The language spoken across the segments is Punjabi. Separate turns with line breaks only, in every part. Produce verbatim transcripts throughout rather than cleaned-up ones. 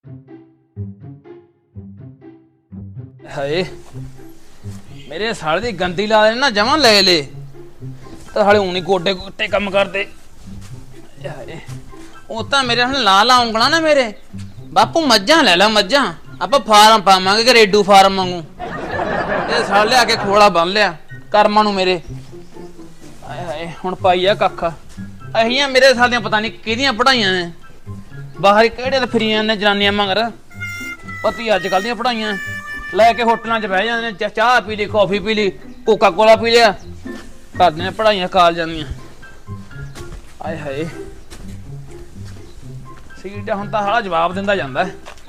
हाय मेरे साले दी गंदी ला ना जमा ले ले तो साले ऊनी गोडे गोटे कम करते ਉਹ ਤਾਂ ਮੇਰੇ ਹੁਣ ਲਾ ਲਾ ਉਂਗਲਾਂ ਨਾ ਮੇਰੇ ਬਾਪੂ ਮੱਝਾਂ ਲੈ ਲੈ ਮੱਝਾਂ ਆਪਾਂ ਫਾਰਮ ਪਾਵਾਂਗੇ ਕਿ ਰੇਡੂ ਫਾਰਮ ਵਾਂਗੂ ਇਹ ਸਾਲ ਲਿਆ ਕੇ ਖੋਲਾ ਬੰਨ ਲਿਆ ਕਰਮਾਂ ਨੂੰ ਮੇਰੇ ਆਏ ਹਾਏ ਹੁਣ ਪਾਈ ਆ ਕੱਖ ਅਹੀਆਂ ਮੇਰੇ ਸਾਲ ਦੀਆਂ ਪਤਾ ਨਹੀਂ ਕਿਹਦੀਆਂ ਪੜਾਈਆਂ ਨੇ ਬਾਹਰ ਕਿਹੜੇ ਤੇ ਫਰੀਆਂ ਨੇ ਜਨਾਨੀਆਂ ਮਗਰ ਪਤੀ ਅੱਜ ਕੱਲ ਦੀਆਂ ਪੜਾਈਆਂ ਲੈ ਕੇ ਹੋਟਲਾਂ 'ਚ ਬਹਿ ਜਾਂਦੇ ਨੇ ਚਾਹ ਪੀ ਲਈ ਕੌਫੀ ਪੀ ਲਈ ਕੋਕਾ ਕੋਲਾ ਪੀ ਲਿਆ ਕਰਦੇ ਨੇ ਪੜਾਈਆਂ ਕਾਲ ਜਾਂਦੀਆਂ ਆਏ ਹਾਏ ਸੀਟ ਹੁਣ ਤਾਂ ਹਾਲਾ ਜਵਾਬ ਦਿੰਦਾ ਜਾਂਦਾ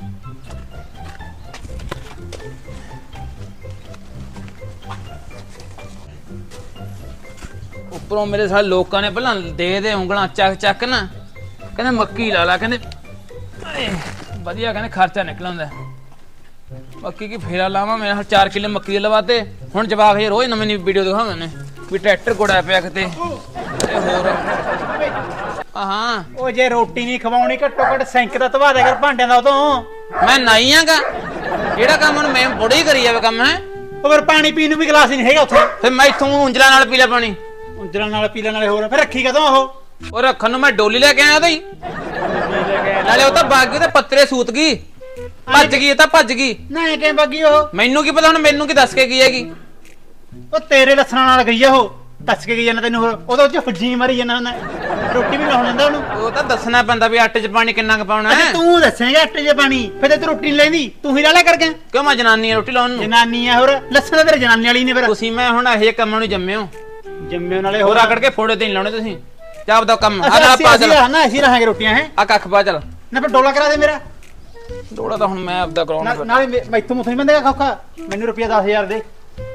ਉੱਪਰੋਂ ਮੇਰੇ ਸਾਰੇ ਲੋਕਾਂ ਨੇ ਪਹਿਲਾਂ ਦੇ ਦੇ ਉਂਗਲਾਂ ਚੱਕ ਚੱਕ ਨਾ ਕਹਿੰਦੇ ਮੱਕੀ ਲਾ ਲਾ ਕਹਿੰਦੇ ਵਧੀਆ ਕਹਿੰਦੇ ਖਰਚਾ ਨਿਕਲ ਆਉਂਦਾ ਮੱਕੀ ਕੀ ਫੇਰਾ ਲਾਵਾਂ ਮੈਂ ਹੁਣ ਚਾਰ ਕਿੱਲੇ ਮੱਕੀ ਦੇ ਲਵਾਤੇ ਹੁਣ ਜਵਾਬ ਇਹ ਰੋਜ਼ ਨਵੀਂ ਨਵੀਂ ਵੀਡੀਓ ਦਿਖਾਉਂਦੇ ਨੇ ਵੀ ਟਰੈਕਟਰ ਗੋੜਾ ਪਿਆ ਕਿਤੇ ਤੇ ਹੋਰ ਹਾਂ
ਉਹ ਜੇ ਰੋਟੀ ਨਹੀਂ ਖਵਾਉਣੀ ਘੱਟੋ ਘੱਟ ਸਿੰਕ ਦਾ ਧਵਾ ਦੇ ਕਰ ਭਾਂਡਿਆਂ ਦਾ ਉਦੋਂ
ਮੈਂ ਨਹੀਂ ਆਂਗਾ ਜਿਹੜਾ ਕੰਮ ਹੁਣ ਮੈਂ ਬੁੜੀ ਕਰੀ ਜਾਵੇ ਕੰਮ ਹੈ
ਉਹ ਫਿਰ ਪਾਣੀ ਪੀਣ ਨੂੰ ਵੀ ਗਲਾਸ ਨਹੀਂ ਹੈਗਾ ਉੱਥੇ
ਫਿਰ ਮੈਂ ਇੱਥੋਂ ਉਂਜਲਾਂ ਨਾਲ ਪੀ ਲਿਆ ਪਾਣੀ
ਉਂਜਲਾਂ ਨਾਲ ਪੀ ਲੈਣ ਵਾਲੇ ਹੋਰ ਫਿਰ ਰੱਖੀ ਕਦੋਂ ਉਹ
ਉਹ ਰੱਖਣ ਨੂੰ ਮੈਂ ਡੋਲੀ ਲੈ ਕੇ ਆਇਆ ਉਹਦਾ ਹੀ ਨਾਲੇ ਉਹ ਤਾਂ ਬਾਗੀ ਤੇ ਪੱਤਰੇ ਸੂਤ ਗਈ ਭੱਜ ਗਈ ਇਹ ਤਾਂ ਭੱਜ ਗਈ
ਨਾ ਇਹ ਕਿਵੇਂ ਬੱਗੀ ਉਹ
ਮੈਨੂੰ ਕੀ ਪਤਾ ਹੁਣ ਮੈਨੂੰ ਕੀ ਦੱਸ ਕੇ ਗਈ ਹੈਗੀ
ਉਹ ਤੇਰੇ ਲੱਛਣਾਂ ਨਾਲ ਗਈ ਆ ਉਹ ਦੱਸ ਕੇ ਗਈ ਜਾਂਦਾ ਤੈਨੂੰ ਹੋਰ ਉਹਦੇ ਉੱਤੇ ਫੁੱਜੀ ਮਾਰੀ ਜਾਂਦਾ ਹੁੰਦਾ ਰੋਟੀ ਵੀ ਲਾਉਣ ਦਿੰਦਾ ਉਹਨੂੰ
ਉਹ ਤਾਂ ਦੱਸਣਾ ਪੈਂਦਾ ਵੀ ਆਟੇ 'ਚ ਪਾਣੀ ਕਿੰਨਾ ਕੁ ਪਾਉਣਾ ਹੈ
ਤੂੰ ਦੱਸੇਂਗਾ ਆਟੇ 'ਚ ਪਾਣੀ ਫਿਰ ਤੂੰ ਰੋਟੀ ਨਹੀਂ ਲੈਂਦੀ ਤੂੰ ਹੀ ਲਾਲਾ ਕਰ ਗਿਆ
ਕਿਉਂ ਮੈਂ ਜਨਾਨੀ ਆ ਰੋਟੀ ਲਾਉਣ ਨੂੰ
ਜਨਾਨੀ ਆ ਹੋਰ ਲੱਛਣ ਤਾਂ ਤੇਰੇ ਜਨਾਨੀ ਵਾਲੀ ਨੇ ਫਿਰ
ਤੁਸੀਂ ਮੈਂ ਹੁਣ ਇਹ ਕੰਮਾਂ ਨੂੰ ਜੰਮੇ ਹੋ
ਜੰਮੇ ਨਾਲੇ
ਹੋਰ ਆਕੜ ਕੇ ਫੋੜੇ ਤੇ ਨਹੀਂ ਲਾਉਣੇ ਤੁਸੀਂ ਜਾਬ ਦਾ ਕੰਮ ਆ ਨਾ ਪਾ ਚੱਲ
ਨਾ ਅਸੀਂ ਰਹਾਂਗੇ ਰੋਟੀਆਂ ਹੈ
ਆ ਕੱਖ ਪਾ ਚੱਲ
ਨਾ ਫਿਰ ਡੋਲਾ ਕਰਾ ਦੇ ਮੇਰਾ
ਡੋਲਾ ਤਾਂ ਹੁਣ ਮੈਂ ਆਪਦਾ ਕਰਾਉਣਾ
ਨਾਲੇ ਮੈਥੋਂ ਮੁੱਥ ਨਹੀਂ ਬੰਦੇਗਾ ਖੌਖਾ ਮੈਨੂੰ ਰੁਪਿਆ ਦਸ ਹਜ਼ਾਰ ਦੇ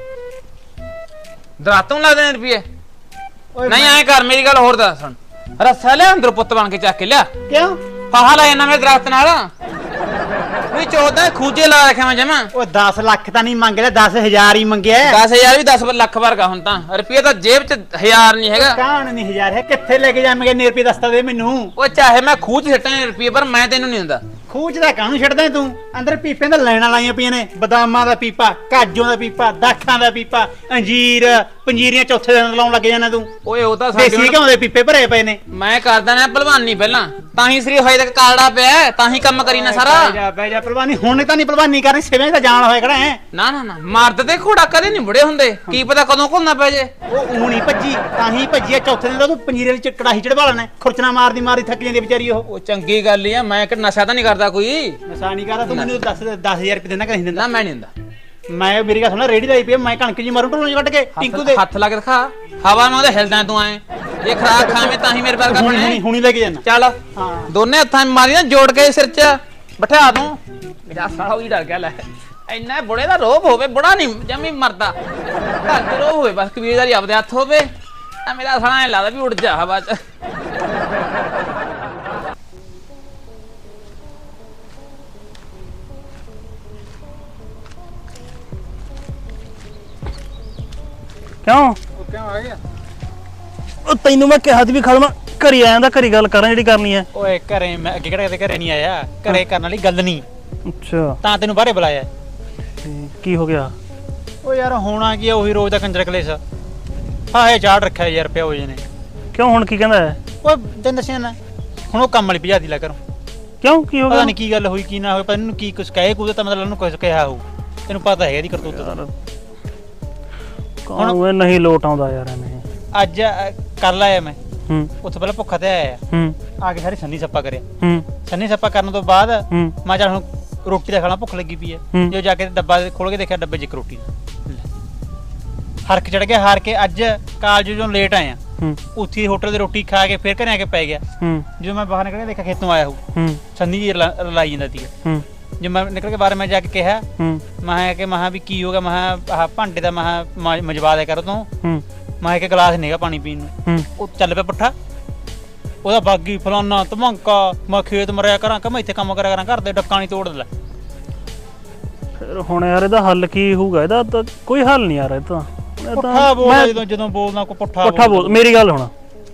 ਦਰਾਤੋਂ ਲਾ ਦੇਣੇ ਰੁਪਏ ਨਹੀਂ ਐ ਕਰ ਮੇਰੀ ਗੱਲ ਹੋਰ ਦੱਸ ਸੁਣ ਰੱਸਾ ਲਿਆ ਅੰਦਰ ਪੁੱਤ ਬਣ ਕੇ ਚੱਕ ਕੇ ਲਿਆ
ਕਿਉਂ
ਫਾਹਾ ਲਾਇਆ ਨਾ ਮੇਰੇ ਦਰਖਤ ਨਾਲ ਵੀ ਚੌਦਾਂ ਖੂਜੇ ਲਾ ਰੱਖਿਆ ਮੈਂ ਜਮਾ
ਉਹ ਦਸ ਲੱਖ ਤਾਂ ਨਹੀਂ ਮੰਗ ਲਿਆ ਦਸ ਹਜ਼ਾਰ ਹੀ ਮੰਗਿਆ
ਦਸ ਹਜ਼ਾਰ ਵੀ ਦਸ ਲੱਖ ਵਰਗਾ ਹੁਣ ਤਾਂ ਰੁਪਏ ਤਾਂ ਜੇਬ 'ਚ ਹਜ਼ਾਰ ਨਹੀਂ ਹੈਗਾ
ਕਾਹਨ ਨਹੀਂ ਹਜ਼ਾਰ ਹੈ ਕਿੱਥੇ ਲੈ ਕੇ ਜਾਵਾਂਗੇ ਨੀ ਰੁਪਏ ਦੱਸਦਾ ਦੇ ਮੈਨੂੰ
ਉਹ ਚਾਹੇ ਮੈਂ ਖੂਹ 'ਚ ਸਿੱਟਾਂ ਰੁਪਏ ਪਰ ਮੈਂ ਤੈਨੂੰ ਨਹੀਂ ਦਿੰਦਾ
ਖੂਚ ਦਾ ਕਾਹਨੂੰ ਛੱਡਦਾ ਤੂੰ ਅੰਦਰ ਪੀਪਿਆਂ ਦਾ ਲੈਣਾ ਲਾਈਆਂ ਪਈਆਂ ਨੇ ਬਦਾਮਾਂ ਦਾ ਪੀਪਾ ਕਾਜੂਆਂ ਦਾ ਪੀਪਾ ਦਾਖਾਂ ਦਾ ਪੀਪਾ ਅੰਜੀਰ ਪੰਜੀਰੀਆਂ ਚੌਥੇ ਦਿਨ ਲਾਉਣ ਲੱਗ ਜਾਣਾ ਤੂੰ
ਓਏ ਉਹ ਤਾਂ
ਦੇਸੀ ਘਿਓ ਦੇ ਪੀਪੇ ਭਰੇ ਪਏ ਨੇ
ਮੈਂ ਕਰਦਾ ਨਾ ਭਲਵਾਨੀ ਪਹਿਲਾਂ ਤਾਂ ਹੀ ਸਰੀਰ ਹੋਏ ਤੱਕ ਕਾਲੜਾ ਪਿਆ ਤਾਂ ਹੀ ਕੰਮ ਕਰੀ ਨਾ ਸਾਰਾ
ਬੈ ਜਾ ਬੈ ਜਾ ਭਲਵਾਨੀ ਹੁਣ ਤਾਂ ਨਹੀਂ ਭਲਵਾਨੀ ਕਰਨੀ ਸਿਵੇਂ ਤਾਂ ਜਾਣ ਹੋਇਆ ਖੜਾ ਹੈ
ਨਾ ਨਾ ਨਾ ਮਰਦ ਤੇ ਘੋੜਾ ਕਦੇ ਨਹੀਂ ਬੁੜੇ ਹੁੰਦੇ ਕੀ ਪਤਾ ਕਦੋਂ ਘੁਲਣਾ ਪੈ ਜੇ
ਉਹ ਊਣੀ ਭੱਜੀ ਤਾਂ ਹੀ ਭੱਜੀ ਆ ਚੌਥੇ ਦਿਨ ਤਾਂ ਤੂੰ ਪੰਜੀਰੇ ਵਿੱਚ ਕੜਾਹੀ ਚੜਵਾ ਲੈਣਾ ਖੁਰਚਣਾ ਮਾਰਦੀ ਮਾਰਦੀ ਥੱਕ ਜਾਂਦੀ ਵਿਚਾਰੀ ਉਹ
ਉਹ ਚੰਗੀ ਗੱਲ ਹੀ ਆ ਮੈਂ ਕਿ ਨਸ਼ਾ ਤਾਂ ਨਹੀਂ ਕਰਦਾ ਕੋਈ
ਨਸ਼ਾ ਨਹੀਂ ਕਰਦਾ ਤੂੰ ਮੈਨੂੰ ਦੱਸ ਦਸ ਹਜ਼ਾਰ ਰੁਪਏ ਦੇਣਾ ਕਿ ਨਹੀਂ ਦਿੰਦਾ
ਨਾ ਮੈਂ ਨਹੀਂ ਦਿੰਦਾ
ਮੈਂ ਮੇਰੀ ਗੱਲ ਸੁਣ ਰੇੜੀ ਦਾ ਪਈ ਮੈਂ ਕਣਕ ਜੀ ਮਾਰੂ ਢੋਲਾਂ ਕੱਢ ਕੇ ਟਿੰਕੂ ਦੇ
ਹੱਥ ਲਾ ਕੇ ਦਿਖਾ ਹਵਾ ਨਾਲ ਉਹਦੇ ਹਿਲਦਾ ਤੂੰ ਐ ਜੇ ਖਰਾਕ ਖਾਵੇਂ ਤਾਂ ਹੀ ਮੇਰੇ ਵਰਗਾ
ਹੁਣੀ
ਬਣੇ
ਹੁਣੀ ਲੈ ਕੇ ਜਾਣਾ
ਚੱਲ
ਹਾਂ
ਦੋਨੇ ਹੱਥਾਂ ਮਾਰੀ ਨਾ ਜੋੜ ਕੇ ਸਿਰ 'ਚ ਬਿਠਾ ਦੂੰ ਮੇਰਾ ਸਾਲਾ ਵੀ ਡਰ ਗਿਆ ਲੈ ਇੰਨਾ ਬੁੜੇ ਦਾ ਰੋਬ ਹੋਵੇ ਬੁੜਾ ਨਹੀਂ ਜਮੀ ਮਰਦਾ ਘਰ ਤੇ ਰੋਬ ਹੋਵੇ ਬਸ ਕਬੀਰਦਾਰੀ ਆਪਦੇ ਹੱਥ ਹੋਵੇ ਆ ਮੇਰਾ ਸਾਲਾ ਐ ਲੱਗਦਾ ਵੀ ਉੱਡ ਜਾ ਹਵਾ 'ਚ
ਕਿਉਂ
ਕਿਉਂ ਆ ਗਿਆ
ਉਹ ਤੈਨੂੰ ਮੈਂ ਕਿਹਾ ਸੀ ਵੀ ਖੜਮਾ ਘਰੀ ਆਇਆ ਦਾ ਘਰੀ ਗੱਲ ਕਰਾਂ ਜਿਹੜੀ ਕਰਨੀ ਹੈ
ਓਏ ਘਰੇ ਮੈਂ ਅੱਗੇ ਕਿਹੜਾ ਕਦੇ ਘਰੇ ਨਹੀਂ ਆਇਆ ਘਰੇ ਕਰਨ ਵਾਲੀ ਗੱਲ ਨਹੀਂ
ਅੱਛਾ
ਤਾਂ ਤੈਨੂੰ ਬਾਹਰੇ ਬੁਲਾਇਆ
ਕੀ ਹੋ ਗਿਆ
ਓ ਯਾਰ ਹੋਣਾ ਕੀ ਆ ਉਹੀ ਰੋਜ਼ ਦਾ ਕੰਜਰ ਕਲੇਸ਼ ਹਾਂ ਇਹ ਚਾੜ ਰੱਖਿਆ ਯਾਰ ਪਿਓ ਜੀ ਨੇ
ਕਿਉਂ ਹੁਣ ਕੀ ਕਹਿੰਦਾ ਹੈ
ਓਏ ਤੈਨੂੰ ਦੱਸਿਆ ਨਾ ਹੁਣ ਉਹ ਕੰਮ ਵਾਲੀ ਭਜਾਦੀ ਲਾ ਕਰੋ
ਕਿਉਂ ਕੀ ਹੋ
ਪਤਾ
ਗਿਆ
ਨਹੀਂ ਕੀ ਗੱਲ ਹੋਈ ਕੀ ਨਾ ਹੋਈ ਪਰ ਇਹਨੂੰ ਕੀ ਕੁਝ ਕਹੇ ਕੁਝ ਤਾਂ ਮਤਲਬ ਉਹਨੂੰ ਕੁਝ ਕਿਹਾ ਹੋਊ ਤੈਨੂੰ ਪਤਾ ਹੈਗਾ ਇਹਦੀ ਕਰਤੂਤ ਦਾ
ਹੁਣ ਉਹ ਨਹੀਂ ਲੋਟ ਆਉਂਦਾ ਯਾਰ ਐਵੇਂ
ਅੱਜ ਕਰ ਲਾਇਆ ਮੈਂ
ਹੂੰ
ਉੱਥੇ ਪਹਿਲਾਂ ਭੁੱਖਾ ਤੇ ਆਇਆ
ਹੂੰ
ਆ ਕੇ ਸਾਰੀ ਸੰਨੀ ਸੱਪਾ ਕਰਿਆ
ਹੂੰ
ਸੰਨੀ ਸੱਪਾ ਕਰਨ ਤੋਂ ਬਾਅਦ
ਹੂੰ
ਮੈਂ ਚੱਲ ਹੁਣ ਰੋਟੀ ਦਾ ਖਾਣਾ ਭੁੱਖ ਲੱਗੀ ਪਈ ਹੈ
ਹੂੰ।
ਜੋ ਜਾ ਕੇ ਡੱਬਾ ਖੋਲ ਕੇ ਦੇਖਿਆ ਡੱਬੇ 'ਚ ਇੱਕ ਰੋਟੀ ਹਰਕ ਚੜ ਗਿਆ ਹਾਰ ਕੇ ਅੱਜ ਕਾਲਜ ਜਦੋਂ ਲੇਟ ਆਇਆ
ਹੂੰ
ਉੱਥੇ ਹੋਟਲ ਦੀ ਰੋਟੀ ਖਾ ਕੇ ਫਿਰ ਘਰੇ ਆ ਕੇ ਪੈ ਗਿਆ
ਹੂੰ
ਜਦੋਂ ਮੈਂ ਬਾਹਰ ਨਿਕਲ ਕੇ ਦੇਖਿਆ ਖੇਤੋਂ ਆਇਆ ਹੂੰ
ਹੂੰ
ਸੰਨੀ ਜੀ ਰਲਾ- ਰਲਾਈ ਜਾਂਦਾ ਸੀ
ਹੂੰ
ਜੇ ਮੈਂ ਨਿਕਲ ਕੇ ਬਾਹਰ ਮੈਂ ਜਾ ਕੇ ਕਿਹਾ
ਹੂੰ
ਮੈਂ ਕਿ ਮਹਾ ਵੀ ਕੀ ਹੋ ਗਿਆ ਮਹਾ ਆਹ ਭਾਂਡੇ ਦਾ ਮਹਾ ਮਜਵਾ ਦਿਆ ਕਰ ਤੂੰ
ਹੂੰ
ਮੈਂ ਕਿ ਗਲਾਸ ਨਹੀਂਗਾ ਪਾਣੀ ਪੀਣ ਨੂੰ
ਹੂੰ
ਉਹ ਚੱਲ ਪਿਆ ਪੁੱਠਾ ਉਹਦਾ ਬਾਗੀ ਫਲਾਨਾ ਧਮੰਕਾ ਮੈਂ ਖੇਤ ਮਰਿਆ ਕਰਾਂ ਕਿ ਮੈਂ ਇੱਥੇ ਕੰਮ ਕਰਿਆ ਕਰਾਂ ਘਰ ਦੇ ਡੱਕਾ ਨਹੀਂ ਤੋੜ ਲੈ
ਫਿਰ ਹੁਣ ਯਾਰ ਇਹਦਾ ਹੱਲ ਕੀ ਹੋਊਗਾ ਇਹਦਾ ਤਾਂ ਕੋਈ ਹੱਲ ਨਹੀਂ ਯਾਰ ਇਹ ਤਾਂ ਇਹ ਤਾਂ
ਪੁੱਠਾ ਬੋਲਦਾ
ਮੈਂ-
ਜਦੋਂ ਜਦੋਂ ਬੋਲਦਾ ਕੋਈ ਪੁੱਠਾ
ਪੁੱਠਾ ਬੋਲ ਮੇਰੀ ਗੱਲ ਹੁਣ